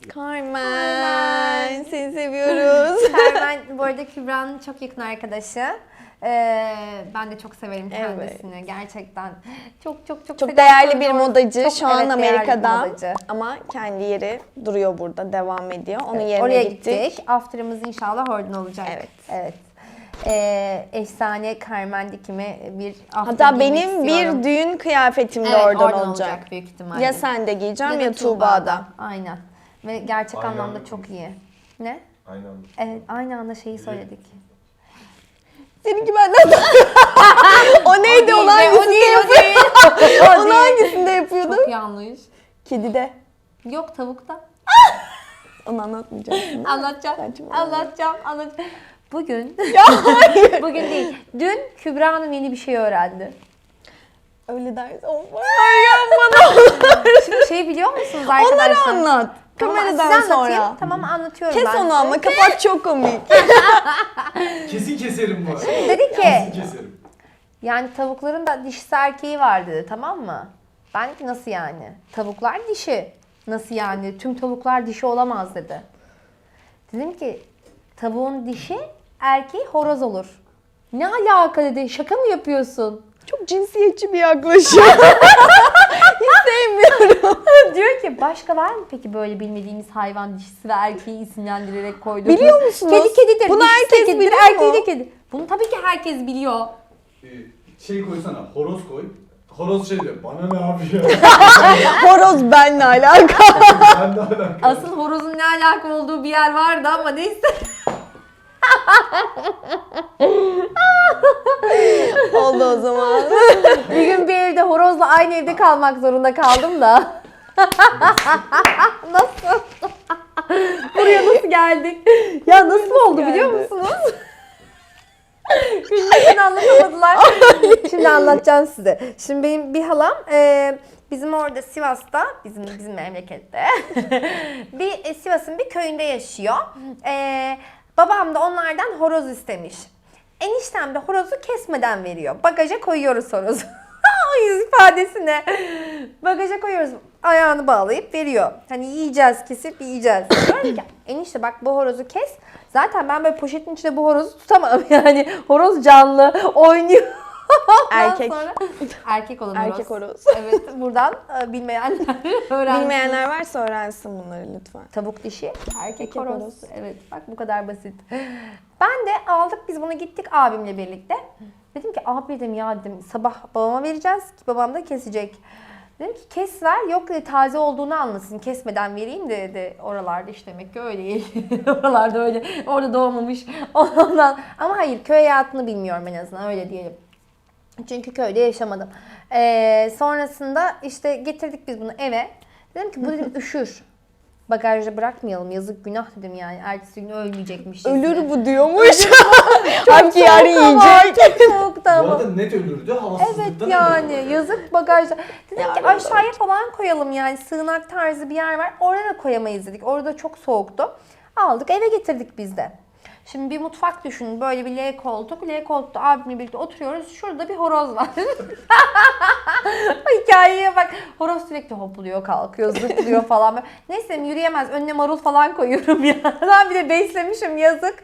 [SPEAKER 2] Carmen, seni seviyoruz.
[SPEAKER 1] Carmen bu arada Kübra'nın çok yakın arkadaşı. Ee, ben de çok severim kendisini. Gerçekten çok çok çok
[SPEAKER 2] Çok
[SPEAKER 1] selam
[SPEAKER 2] değerli bir
[SPEAKER 1] söylüyorum.
[SPEAKER 2] modacı.
[SPEAKER 1] Çok,
[SPEAKER 2] Şu an
[SPEAKER 1] evet, değerli bir
[SPEAKER 2] Amerika'da.
[SPEAKER 1] modacı.
[SPEAKER 2] Ama kendi yeri duruyor burada, devam ediyor. Onun
[SPEAKER 1] Evet,
[SPEAKER 2] yerine
[SPEAKER 1] oraya
[SPEAKER 2] gittik.
[SPEAKER 1] gittik. After'ımız inşallah oradan olacak.
[SPEAKER 2] Evet.
[SPEAKER 1] Evet. Ee, efsane Carmen dikimi bir after
[SPEAKER 2] Hatta
[SPEAKER 1] giymek
[SPEAKER 2] benim
[SPEAKER 1] istiyorum.
[SPEAKER 2] bir düğün kıyafetim de
[SPEAKER 1] Evet,
[SPEAKER 2] oradan, olacak.
[SPEAKER 1] büyük ihtimalle.
[SPEAKER 2] Ya sen de giyeceğim
[SPEAKER 1] Ya
[SPEAKER 2] ya,
[SPEAKER 1] da
[SPEAKER 2] Tuğba'da.
[SPEAKER 1] Aynen. Ve gerçek
[SPEAKER 3] Aynı
[SPEAKER 1] anlamda
[SPEAKER 3] anda
[SPEAKER 1] çok iyi. Ne?
[SPEAKER 3] Aynı anda.
[SPEAKER 1] Evet, aynı anda şeyi söyledik.
[SPEAKER 2] Seninki benden daha... O neydi?
[SPEAKER 1] O
[SPEAKER 2] Onu
[SPEAKER 1] değil, o
[SPEAKER 2] hangisinde
[SPEAKER 1] değil, o
[SPEAKER 2] yapıyordun?
[SPEAKER 1] değil. O
[SPEAKER 2] Onu
[SPEAKER 1] değil.
[SPEAKER 2] hangisinde yapıyordun?
[SPEAKER 1] Çok yanlış.
[SPEAKER 2] Kedide.
[SPEAKER 1] Yok tavukta.
[SPEAKER 2] Onu anlatmayacaksın.
[SPEAKER 1] Anlatacağım.
[SPEAKER 2] Saçma.
[SPEAKER 1] Anlatacağım. Anlatacağım. Bugün.
[SPEAKER 2] Ya hayır.
[SPEAKER 1] Bugün değil. Dün Kübra Hanım yeni bir şey öğrendi.
[SPEAKER 2] Öyle dersin. Of. Ay yapma.
[SPEAKER 1] Şimdi şey biliyor musunuz arkadaşlar?
[SPEAKER 2] Onları anlat.
[SPEAKER 1] Tamam,
[SPEAKER 2] Kameradan
[SPEAKER 1] size anlatayım.
[SPEAKER 2] sonra.
[SPEAKER 1] Tamam anlatıyorum
[SPEAKER 2] Kes
[SPEAKER 1] ben
[SPEAKER 2] onu
[SPEAKER 1] size.
[SPEAKER 2] ama kapat, çok komik.
[SPEAKER 4] Kesin keserim bu arada.
[SPEAKER 1] Dedi ki
[SPEAKER 4] Kesin keserim.
[SPEAKER 1] yani tavukların da dişisi erkeği var dedi, tamam mı? Ben dedim ki nasıl yani? Tavuklar dişi. Nasıl yani? Tüm tavuklar dişi olamaz dedi. Dedim ki tavuğun dişi erkeği horoz olur. Ne alaka dedi. Şaka mı yapıyorsun?
[SPEAKER 2] Çok cinsiyetçi bir yaklaşım. Hiç sevmiyorum.
[SPEAKER 1] Diyor ki başka var mı peki böyle bilmediğimiz hayvan dişisi ve erkeği isimlendirerek koyduğumuz?
[SPEAKER 2] Biliyor musunuz?
[SPEAKER 1] Kedi kedidir.
[SPEAKER 2] Bunu
[SPEAKER 1] dişisi
[SPEAKER 2] herkes
[SPEAKER 1] kedidir,
[SPEAKER 2] biliyor
[SPEAKER 1] erkeği
[SPEAKER 2] mu?
[SPEAKER 1] de kedi. Bunu tabii ki herkes biliyor.
[SPEAKER 4] Ee, şey koysana, horoz koy. Horoz şey diyor, bana ne yapıyor?
[SPEAKER 2] Horoz benle alakalı.
[SPEAKER 4] Ben de alakalı.
[SPEAKER 1] Asıl horozun ne alaka olduğu bir yer vardı ama neyse.
[SPEAKER 2] Oldu o zaman.
[SPEAKER 1] Bir gün bir evde horozla aynı evde kalmak zorunda kaldım da. Nasıl? Buraya nasıl geldik? Ya nasıl oldu biliyor
[SPEAKER 2] geldi?
[SPEAKER 1] musunuz? Gülmekten anlatamadılar. Şimdi anlatacağım size. Şimdi benim bir halam e, bizim orada Sivas'ta, bizim bizim memlekette bir e, Sivas'ın bir köyünde yaşıyor. E, babam da onlardan horoz istemiş. Eniştem de horozu kesmeden veriyor. Bagaja koyuyoruz horozu. O yüz ifadesine. Bagaja koyuyoruz. Ayağını bağlayıp veriyor. Hani yiyeceğiz, kesip yiyeceğiz. Diyorum ki enişte bak bu horozu kes. Zaten ben böyle poşetin içinde bu horozu tutamam. Yani horoz canlı, oynuyor. Ondan
[SPEAKER 2] Erkek.
[SPEAKER 1] sonra- erkek olan horoz.
[SPEAKER 2] Erkek horoz.
[SPEAKER 1] Evet, buradan e, bilmeyenler öğrensin.
[SPEAKER 2] Bilmeyenler varsa öğrensin bunları lütfen.
[SPEAKER 1] Tavuk dişi, erkek,
[SPEAKER 2] Erkek
[SPEAKER 1] horoz.
[SPEAKER 2] horoz.
[SPEAKER 1] Evet, bak bu kadar basit. Ben de aldık biz bunu gittik abimle birlikte. Dedim ki abi dedim ya dedim sabah babama vereceğiz ki babam da kesecek. Dedim ki kes ver, yok dedi taze olduğunu anlasın, kesmeden vereyim de dedi. Oralarda işte demek ki öyle. Oralarda öyle, orada doğmamış. Ondan. Ama hayır, köy hayatını bilmiyorum en azından, öyle diyelim. Çünkü köyde yaşamadım. Ee, sonrasında işte getirdik biz bunu eve. Dedim ki bu dedim üşür. Bagajda bırakmayalım, yazık günah dedim yani. Ertesi gün ölmeyecekmiş.
[SPEAKER 2] Ölür bu diyormuş. Halbuki yarın
[SPEAKER 1] Ama
[SPEAKER 2] yiyecek.
[SPEAKER 1] çok soğuktu
[SPEAKER 4] Bu
[SPEAKER 1] ama.
[SPEAKER 4] arada net ölürdü, havasızlıktan
[SPEAKER 1] Evet yani yazık bagajda. Dedim ki
[SPEAKER 2] Yarın
[SPEAKER 1] aşağıya falan koyalım yani, sığınak tarzı bir yer var. Oraya da koyamayız dedik. Orada çok soğuktu. Aldık eve getirdik biz de. Şimdi bir mutfak düşünün. Böyle bir L koltuk. L koltukta abimle birlikte oturuyoruz. Şurada bir horoz var. Hikayeye bak. Horoz sürekli hopluyor, kalkıyor, zıplıyor falan. Böyle. Neyse yürüyemez. Önüne marul falan koyuyorum ya. Ben bir de beslemişim, yazık.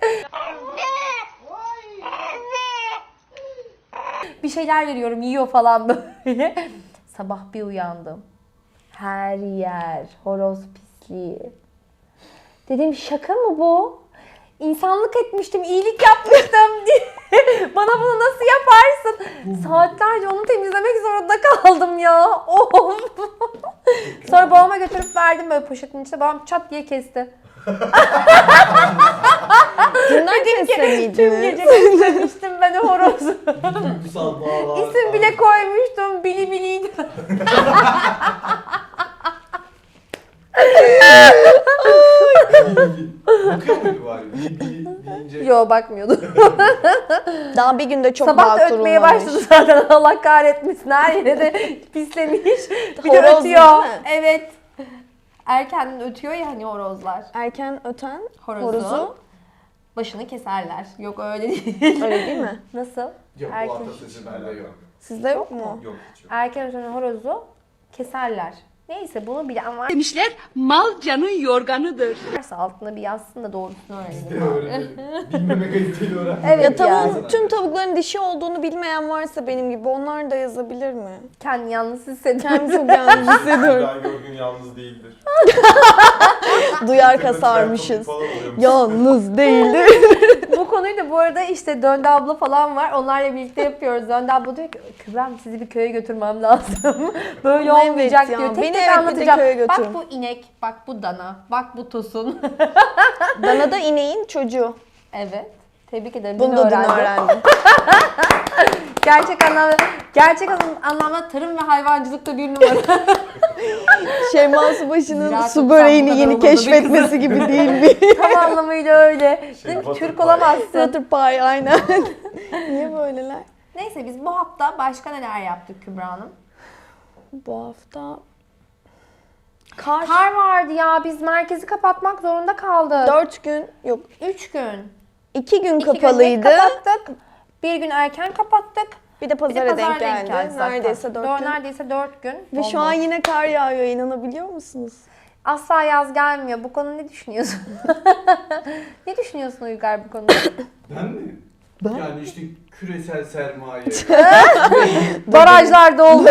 [SPEAKER 1] Bir şeyler veriyorum, yiyor falan böyle. Sabah bir uyandım. Her yer horoz pisliği. Dedim şaka mı bu? İnsanlık etmiştim, iyilik yapmıştım diye. Bana bunu nasıl yaparsın? Saatlerce onu temizlemek zorunda kaldım ya. Of. Sonra babama götürüp verdim böyle poşetin içine. Babam çat diye kesti.
[SPEAKER 2] Bunlar
[SPEAKER 1] Tüm
[SPEAKER 2] kesseydiniz.
[SPEAKER 1] gece kesmemiştim ben o horozu.
[SPEAKER 4] Duygusal bağlar.
[SPEAKER 1] İsim bile koymuştum. Bili biliydi.
[SPEAKER 4] Bakıyor muydu bari? Bili bili deyince.
[SPEAKER 1] Yo bakmıyordu.
[SPEAKER 2] Daha bir günde çok
[SPEAKER 1] Sabah da
[SPEAKER 2] bağ
[SPEAKER 1] ötmeye
[SPEAKER 2] kurulmamış.
[SPEAKER 1] başladı zaten. Allah kahretmesin. Her yere de pislemiş. Bir de
[SPEAKER 2] Horoz
[SPEAKER 1] ötüyor.
[SPEAKER 2] değil mi?
[SPEAKER 1] Evet. Erkenden ötüyor ya hani horozlar.
[SPEAKER 2] Erken öten
[SPEAKER 1] Horozu.
[SPEAKER 2] horozu.
[SPEAKER 1] Başını keserler. Yok öyle değil.
[SPEAKER 2] Öyle değil mi?
[SPEAKER 1] Nasıl?
[SPEAKER 4] Yok bu
[SPEAKER 1] Erken,
[SPEAKER 4] atasözü bende yok.
[SPEAKER 2] Sizde yok mu?
[SPEAKER 3] Yok hiç yok.
[SPEAKER 1] erken öten horozu keserler. Neyse bunu bilen var.
[SPEAKER 7] Demişler mal canın yorganıdır.
[SPEAKER 1] Varsa altına bir yazsın da doğrusunu
[SPEAKER 4] Biz
[SPEAKER 1] öğrenelim.
[SPEAKER 4] de öğrenelim. Bilmeme kayıtıyla öğrenmek.
[SPEAKER 1] Evet.
[SPEAKER 2] Ya tavuğun,
[SPEAKER 4] yani.
[SPEAKER 2] tüm tavukların dişi olduğunu bilmeyen varsa benim gibi onlar da yazabilir mi?
[SPEAKER 1] Kendini yalnız hissediyorum.
[SPEAKER 2] Kendimi çok yalnız hissediyorum.
[SPEAKER 3] Ben gördüğün yalnız değildir.
[SPEAKER 2] Duyar kasarmışız.
[SPEAKER 3] Falan oluyormuş.
[SPEAKER 2] Yalnız değildi.
[SPEAKER 1] Bu konuyu da bu arada işte Döndü abla falan var. Onlarla birlikte yapıyoruz. Döndü abla diyor ki Kübra'm sizi bir köye götürmem lazım. Böyle
[SPEAKER 2] Evet
[SPEAKER 1] olmayacak
[SPEAKER 2] ya,
[SPEAKER 1] diyor. Tek
[SPEAKER 2] beni
[SPEAKER 1] tek
[SPEAKER 2] evet bir de
[SPEAKER 1] anlatacağım.
[SPEAKER 2] köye götür.
[SPEAKER 1] Bak bu inek, bak bu dana, bak bu tosun.
[SPEAKER 2] Dana da ineğin çocuğu.
[SPEAKER 1] Evet. Tebrik ederim.
[SPEAKER 2] Bunu
[SPEAKER 1] Dün
[SPEAKER 2] da dün
[SPEAKER 1] öğrendim.
[SPEAKER 2] öğrendim.
[SPEAKER 1] Gerçek anlamda, gerçek anlamda tarım ve hayvancılıkta bir numara.
[SPEAKER 2] Şeyma Subaşı'nın
[SPEAKER 1] Ziraat
[SPEAKER 2] su
[SPEAKER 1] okusam
[SPEAKER 2] böreğini
[SPEAKER 1] bu kadar
[SPEAKER 2] yeni
[SPEAKER 1] olmadı bir
[SPEAKER 2] keşfetmesi gibi değil mi?
[SPEAKER 1] Tam anlamıyla öyle.
[SPEAKER 3] Şey,
[SPEAKER 1] Dedim ki
[SPEAKER 3] butter
[SPEAKER 1] Türk
[SPEAKER 3] pie.
[SPEAKER 1] olamazsın.
[SPEAKER 2] Butter pie aynen. Niye böyleler?
[SPEAKER 1] Neyse biz bu hafta başka neler yaptık Kübra Hanım?
[SPEAKER 2] Bu hafta kar.
[SPEAKER 1] Kar vardı ya, biz merkezi kapatmak zorunda kaldık.
[SPEAKER 2] Dört gün yok.
[SPEAKER 1] Üç gün.
[SPEAKER 2] iki gün
[SPEAKER 1] İki gün
[SPEAKER 2] kapalıydı.
[SPEAKER 1] kapattık. Bir gün erken kapattık.
[SPEAKER 2] Bir de
[SPEAKER 1] Bir de
[SPEAKER 2] pazara
[SPEAKER 1] pazar
[SPEAKER 2] denk geldi.
[SPEAKER 1] zaten.
[SPEAKER 2] Neredeyse dört
[SPEAKER 1] Dört-
[SPEAKER 2] gün.
[SPEAKER 1] Neredeyse dört gün.
[SPEAKER 2] Ve şu
[SPEAKER 1] Bomboş.
[SPEAKER 2] an yine kar yağıyor, inanabiliyor musunuz?
[SPEAKER 1] Asla yaz gelmiyor. Bu konu ne düşünüyorsun? Ne düşünüyorsun Uygar bu konuda?
[SPEAKER 4] Ben mi? Yani işte küresel sermaye.
[SPEAKER 1] Barajlar doldu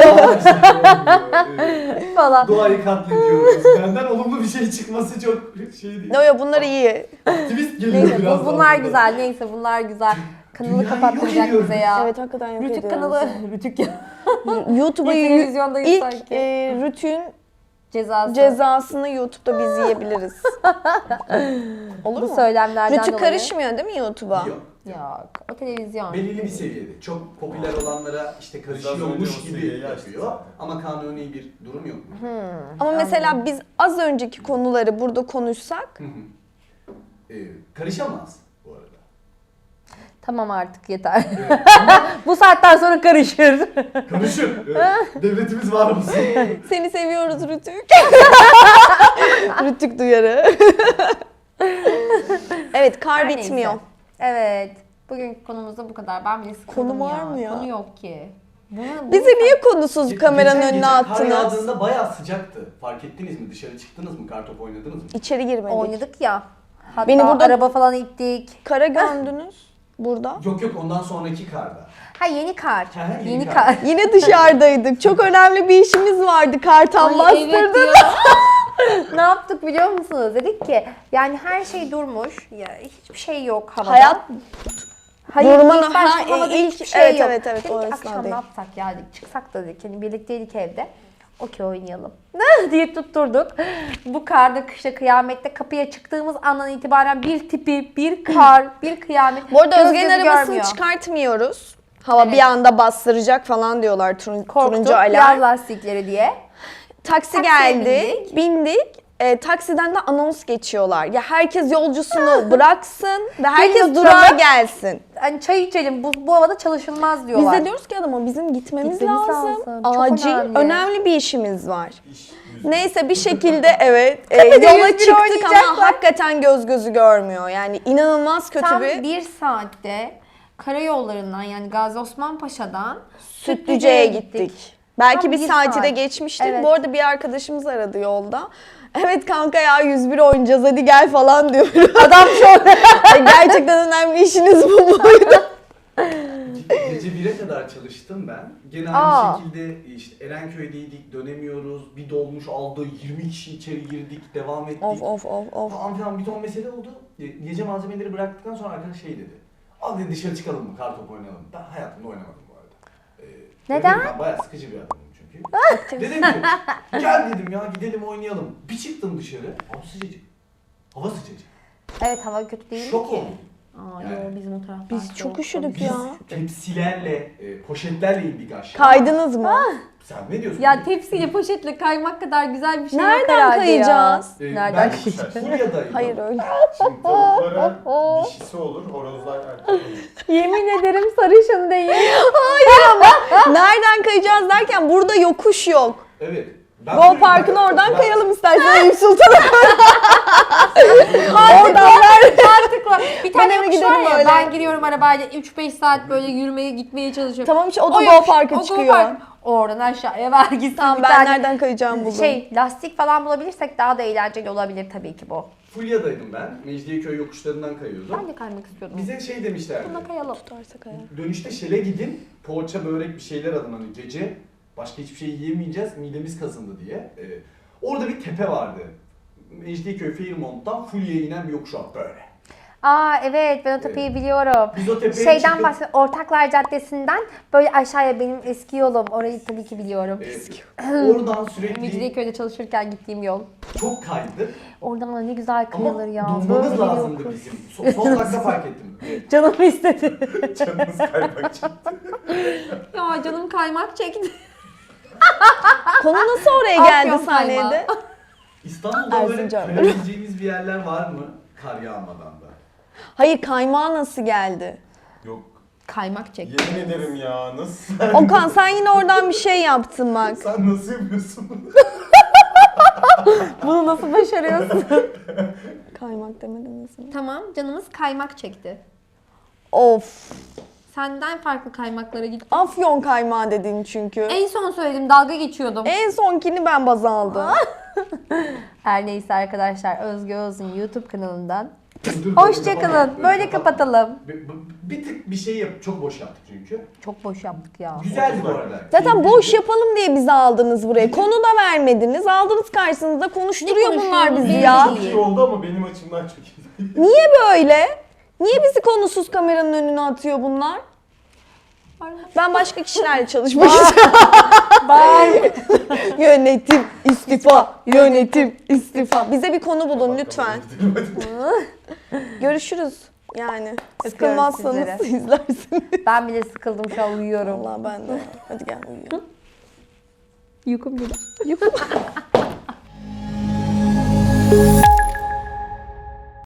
[SPEAKER 4] Evet.
[SPEAKER 1] falan.
[SPEAKER 4] Doğayı katlediyoruz. Benden olumlu bir şey çıkması çok şey değil.
[SPEAKER 2] No yo bunlar iyi.
[SPEAKER 4] Aktivist geliyor
[SPEAKER 1] Neyse
[SPEAKER 4] biraz
[SPEAKER 1] bu, bunlar
[SPEAKER 4] daha.
[SPEAKER 1] güzel. Neyse bunlar güzel. Kanalı
[SPEAKER 4] Dünyayı
[SPEAKER 1] kapattıracak
[SPEAKER 4] yok ediyoruz.
[SPEAKER 1] bize ya.
[SPEAKER 2] Evet hakikaten yok
[SPEAKER 1] Rütük
[SPEAKER 2] ediyoruz
[SPEAKER 1] kanalı.
[SPEAKER 2] ya.
[SPEAKER 1] Rütük ya.
[SPEAKER 2] YouTube'a
[SPEAKER 1] Bir televizyondayız
[SPEAKER 2] ilk
[SPEAKER 1] sanki.
[SPEAKER 2] e, Rütük'ün
[SPEAKER 1] Cezası.
[SPEAKER 2] cezasını YouTube'da biz yiyebiliriz. Olur
[SPEAKER 1] Bu
[SPEAKER 2] mu?
[SPEAKER 1] söylemlerden
[SPEAKER 2] Rütük
[SPEAKER 1] dolayı.
[SPEAKER 2] karışmıyor değil mi YouTube'a?
[SPEAKER 4] Yok.
[SPEAKER 1] Yok. O televizyon.
[SPEAKER 4] Belirli bir seviyede. Çok popüler olanlara işte
[SPEAKER 3] Biraz önce
[SPEAKER 4] karışıyormuş
[SPEAKER 3] o
[SPEAKER 4] gibi
[SPEAKER 3] seviyeyi açtık
[SPEAKER 4] yapıyor.
[SPEAKER 3] zaten.
[SPEAKER 4] Ama kanuni bir durum yok.
[SPEAKER 2] Ama mesela biz az önceki konuları burada konuşsak
[SPEAKER 4] Hı hı. Ee, karışamaz bu arada.
[SPEAKER 1] Tamam artık yeter.
[SPEAKER 4] Evet.
[SPEAKER 1] Bu saatten sonra karışır.
[SPEAKER 4] Konuşun. Evet. Devletimiz var mısın?
[SPEAKER 2] Seni seviyoruz Rütük. Rütük duyarı. Evet, kar
[SPEAKER 1] Her neyse.
[SPEAKER 2] bitmiyor.
[SPEAKER 1] Evet. Bugünkü konumuz da bu kadar. Ben bile sıkıldım
[SPEAKER 2] Konu var
[SPEAKER 1] ya.
[SPEAKER 2] mı ya?
[SPEAKER 1] Konu yok ki. Bunu, bunu-
[SPEAKER 2] Bizi niye konusuz
[SPEAKER 4] Ge-
[SPEAKER 2] kameranın
[SPEAKER 4] geçen
[SPEAKER 2] önüne
[SPEAKER 4] gece Kar
[SPEAKER 2] attınız?
[SPEAKER 4] yağdığında bayağı sıcaktı. Fark ettiniz mi? Dışarı çıktınız mı? Kartop oynadınız mı?
[SPEAKER 2] İçeri girmedik.
[SPEAKER 1] oynadık ya. Hatta
[SPEAKER 2] Beni burada-
[SPEAKER 1] araba falan ittik.
[SPEAKER 2] Kara gömdünüz burada.
[SPEAKER 4] Yok yok ondan sonraki karda.
[SPEAKER 1] Ha yeni kar.
[SPEAKER 4] Ha, yeni
[SPEAKER 1] yeni
[SPEAKER 4] kar.
[SPEAKER 1] kar.
[SPEAKER 2] Yine dışarıdaydık. Çok önemli bir işimiz vardı. Kartal
[SPEAKER 1] Ay, evet
[SPEAKER 2] bastırdı.
[SPEAKER 1] ya. Ne yaptık biliyor musunuz? Dedik ki yani her şey durmuş. Ya hiçbir şey yok havada.
[SPEAKER 2] Hayat
[SPEAKER 1] Hayır,
[SPEAKER 2] durmanın-
[SPEAKER 1] ilk başta
[SPEAKER 2] ha,
[SPEAKER 1] havada
[SPEAKER 2] ilk-
[SPEAKER 1] hiçbir şey
[SPEAKER 2] evet,
[SPEAKER 1] yok.
[SPEAKER 2] evet, evet,
[SPEAKER 1] Dedik
[SPEAKER 2] o
[SPEAKER 1] ki,
[SPEAKER 2] esnada
[SPEAKER 1] akşam ne
[SPEAKER 2] değil.
[SPEAKER 1] yapsak ya dedik. Çıksak da dedik. Hani birlikteydik evde. Okey oynayalım. diye tutturduk. Bu karda, kışta, kıyamette kapıya çıktığımız andan itibaren bir tipi, bir kar, bir kıyamet.
[SPEAKER 2] Bu arada
[SPEAKER 1] Göz
[SPEAKER 2] Özge'nin
[SPEAKER 1] gözü
[SPEAKER 2] arabasını
[SPEAKER 1] görmüyor.
[SPEAKER 2] çıkartmıyoruz. Hava
[SPEAKER 1] Evet.
[SPEAKER 2] bir anda bastıracak falan diyorlar turun,
[SPEAKER 1] Korktuk.
[SPEAKER 2] turuncu
[SPEAKER 1] Yaz
[SPEAKER 2] alarm.
[SPEAKER 1] lastikleri diye.
[SPEAKER 2] Taksi
[SPEAKER 1] Taksiye
[SPEAKER 2] geldi,
[SPEAKER 1] bindik.
[SPEAKER 2] bindik. E, taksiden de anons geçiyorlar. Ya herkes yolcusunu bıraksın ve herkes
[SPEAKER 1] oturalım.
[SPEAKER 2] durağa gelsin.
[SPEAKER 1] Hani çay içelim bu, bu havada çalışılmaz
[SPEAKER 2] Biz
[SPEAKER 1] diyorlar.
[SPEAKER 2] de diyoruz ki adama bizim gitmemiz,
[SPEAKER 1] Gitmemiz
[SPEAKER 2] lazım.
[SPEAKER 1] lazım. Çok
[SPEAKER 2] Acil,
[SPEAKER 1] önemli.
[SPEAKER 2] önemli. bir işimiz var.
[SPEAKER 3] İş yüzü.
[SPEAKER 2] Neyse bir şekilde evet e,
[SPEAKER 1] de
[SPEAKER 2] yola
[SPEAKER 1] yüz bir
[SPEAKER 2] çıktık
[SPEAKER 1] oynayacaklar.
[SPEAKER 2] ama hakikaten göz gözü görmüyor. Yani inanılmaz kötü
[SPEAKER 1] Tam
[SPEAKER 2] bir
[SPEAKER 1] bir saatte karayollarından yani Gazi Osman Paşa'dan
[SPEAKER 2] Sütlüce'ye gittik. Belki
[SPEAKER 1] Tam
[SPEAKER 2] bir
[SPEAKER 1] bir
[SPEAKER 2] saati
[SPEAKER 1] saat.
[SPEAKER 2] de geçmiştik.
[SPEAKER 1] Evet.
[SPEAKER 2] Bu arada bir arkadaşımız aradı yolda. Evet kanka ya yüz bir oynayacağız hadi gel falan diyor. Adam çok gerçekten önemli işiniz bu muydu?
[SPEAKER 4] Ge- Gece bire kadar çalıştım ben. Gene aynı
[SPEAKER 1] Aa.
[SPEAKER 4] şekilde işte Erenköy'deydik, dönemiyoruz. Bir dolmuş aldı, yirmi kişi içeri girdik, devam ettik.
[SPEAKER 2] Of of of of.
[SPEAKER 4] Falan filan bir ton mesele oldu. Ge- Gece malzemeleri bıraktıktan sonra arkadaş şey dedi. Abi dedi dışarı çıkalım mı, kartop oynayalım. Ben hayatımda oynamadım bu arada. Ee,
[SPEAKER 1] Neden?
[SPEAKER 4] dedim, Ben bayağı sıkıcı bir adamım çünkü. Dedim ki gel dedim ya gidelim oynayalım. Bir çıktım dışarı. Hava sıcacık. Hava sıcacık.
[SPEAKER 1] Evet hava kötü değil
[SPEAKER 4] Şok
[SPEAKER 1] ki.
[SPEAKER 4] oldum.
[SPEAKER 1] Aa,
[SPEAKER 4] Yani.
[SPEAKER 1] yo, bizim o taraftan
[SPEAKER 2] Biz çok üşüdük
[SPEAKER 4] Biz
[SPEAKER 2] ya.
[SPEAKER 4] tepsilerle, e, poşetlerle indik aşağı.
[SPEAKER 2] Kaydınız mı?
[SPEAKER 4] Sen ne diyorsun?
[SPEAKER 1] Ya tepsiyle poşetle kaymak kadar güzel bir şey yok
[SPEAKER 2] Nereden
[SPEAKER 1] herhalde
[SPEAKER 2] kayacağız?
[SPEAKER 1] ya.
[SPEAKER 4] Ee,
[SPEAKER 1] Nereden
[SPEAKER 4] ben
[SPEAKER 1] kayacağız?
[SPEAKER 4] Fulya'daydım.
[SPEAKER 2] Hayır öyle.
[SPEAKER 3] Şimdi tavuklara dişisi olur, horozlar erkek olur.
[SPEAKER 1] Yemin ederim sarışın değil.
[SPEAKER 2] Nereden kayacağız derken burada yokuş yok.
[SPEAKER 4] Evet. Ben
[SPEAKER 2] Go
[SPEAKER 4] Fulya'da-
[SPEAKER 2] Park'ın oradan
[SPEAKER 4] ben-
[SPEAKER 2] kayalım istersen Eyüp Sultan'a.
[SPEAKER 1] Oradan mantıklı. Bir tane
[SPEAKER 2] Ben eve
[SPEAKER 1] yokuş
[SPEAKER 2] giderim
[SPEAKER 1] var ya
[SPEAKER 2] böyle.
[SPEAKER 1] ben giriyorum arabayla üç beş saat böyle yürümeye gitmeye çalışıyorum.
[SPEAKER 2] Tamam işte o da
[SPEAKER 1] O
[SPEAKER 2] Go
[SPEAKER 1] yokuş-
[SPEAKER 2] Park'a
[SPEAKER 1] o Go
[SPEAKER 2] çıkıyor.
[SPEAKER 1] Park. Oradan aşağıya ver gitsin
[SPEAKER 2] Tamam
[SPEAKER 1] bir
[SPEAKER 2] ben
[SPEAKER 1] tane.
[SPEAKER 2] nereden kayacağımı buldum.
[SPEAKER 1] Şey lastik falan bulabilirsek daha da eğlenceli olabilir tabii ki bu.
[SPEAKER 4] Fulya'daydım ben. Mecidiyeköy yokuşlarından kayıyordum.
[SPEAKER 1] Ben de kaymak istiyordum.
[SPEAKER 4] Bize şey demişlerdi.
[SPEAKER 1] Buna kayalım.
[SPEAKER 2] Tutarsa kayar.
[SPEAKER 4] Dönüşte Şel'e gidin. Poğaça, börek bir şeyler alın hani gece. Başka hiçbir şey yiyemeyeceğiz. Midemiz kazındı diye. Ee, orada bir tepe vardı. Mecidiyeköy Fairmont'tan Fulya'ya inen bir yokuş var böyle.
[SPEAKER 1] Aa evet ben o tepeyi biliyorum.
[SPEAKER 4] Biz o tepeye
[SPEAKER 1] Şeyden
[SPEAKER 4] çıkıp-
[SPEAKER 1] bahsediyorum. Ortaklar Caddesi'nden böyle aşağıya benim eski yolum. Orayı tabii ki biliyorum.
[SPEAKER 4] Ee, oradan sürekli
[SPEAKER 1] Mecidiyeköy'de çalışırken gittiğim yol.
[SPEAKER 4] çok kaydık.
[SPEAKER 1] Oradan da ne güzel
[SPEAKER 4] Ama
[SPEAKER 1] kayılır ya.
[SPEAKER 4] durmamız
[SPEAKER 1] Böyle
[SPEAKER 4] lazımdı
[SPEAKER 1] yokuş.
[SPEAKER 4] bizim. Son, son dakika fark ettim. Evet.
[SPEAKER 1] Canım istedi.
[SPEAKER 3] Canınız kaymak çıktı.
[SPEAKER 1] Ya canım kaymak çekti.
[SPEAKER 2] Konu nasıl oraya
[SPEAKER 1] Afyon
[SPEAKER 2] geldi
[SPEAKER 1] kaymağı.
[SPEAKER 2] sahnede?
[SPEAKER 4] İstanbul'da böyle
[SPEAKER 2] Erzincan.
[SPEAKER 4] kayabileceğiniz bir yerler var mı? Kar yağmadan da.
[SPEAKER 2] Hayır kaymağı nasıl geldi?
[SPEAKER 3] Yok.
[SPEAKER 1] Kaymak çekti.
[SPEAKER 3] Yemin ederim ya nasıl?
[SPEAKER 2] Okan sen yine oradan bir şey yaptın bak.
[SPEAKER 3] Sen nasıl yapıyorsun bunu?
[SPEAKER 1] Bunu nasıl başarıyorsun?
[SPEAKER 2] Kaymak demedim nasıl?
[SPEAKER 1] Tamam canımız kaymak çekti.
[SPEAKER 2] Of.
[SPEAKER 1] Senden farklı kaymaklara gittim.
[SPEAKER 2] Afyon kaymağı dedin çünkü.
[SPEAKER 1] En son söyledim dalga geçiyordum.
[SPEAKER 2] En sonkini ben baz aldım.
[SPEAKER 1] Her neyse arkadaşlar Özge Öz'ün YouTube kanalından.
[SPEAKER 4] Dur, dur,
[SPEAKER 1] Hoşçakalın.
[SPEAKER 4] böyle
[SPEAKER 1] Böyle
[SPEAKER 4] kapatma.
[SPEAKER 1] kapatalım.
[SPEAKER 4] Bir, bir- bir tık bir şey yap. Çok boş yaptık çünkü.
[SPEAKER 1] Çok boş yaptık ya.
[SPEAKER 4] Güzeldi bu arada.
[SPEAKER 2] Zaten boş
[SPEAKER 4] Keyifliydi.
[SPEAKER 2] yapalım diye bizi aldınız buraya. Konu da vermediniz. Aldınız karşınızda konuşturuyor
[SPEAKER 1] Ne
[SPEAKER 2] bunlar
[SPEAKER 1] konuşuyoruz
[SPEAKER 2] bizi
[SPEAKER 1] belli
[SPEAKER 2] ya.
[SPEAKER 1] değil.
[SPEAKER 3] Çok iyi oldu ama benim açımdan çok iyi.
[SPEAKER 2] Niye böyle? Niye bizi konusuz kameranın önüne atıyor bunlar? Ben başka kişilerle çalışmak istiyorum. Yönetim istifa, yönetim istifa. Bize bir konu bulun lütfen. Görüşürüz yani. Sıkılmazsanız
[SPEAKER 1] sizleri.
[SPEAKER 2] izlersiniz.
[SPEAKER 1] Ben bile sıkıldım şu an uyuyorum.
[SPEAKER 2] Vallahi ben de. Hadi gel uyuyalım.
[SPEAKER 1] Yukum gibi.
[SPEAKER 2] Yuh.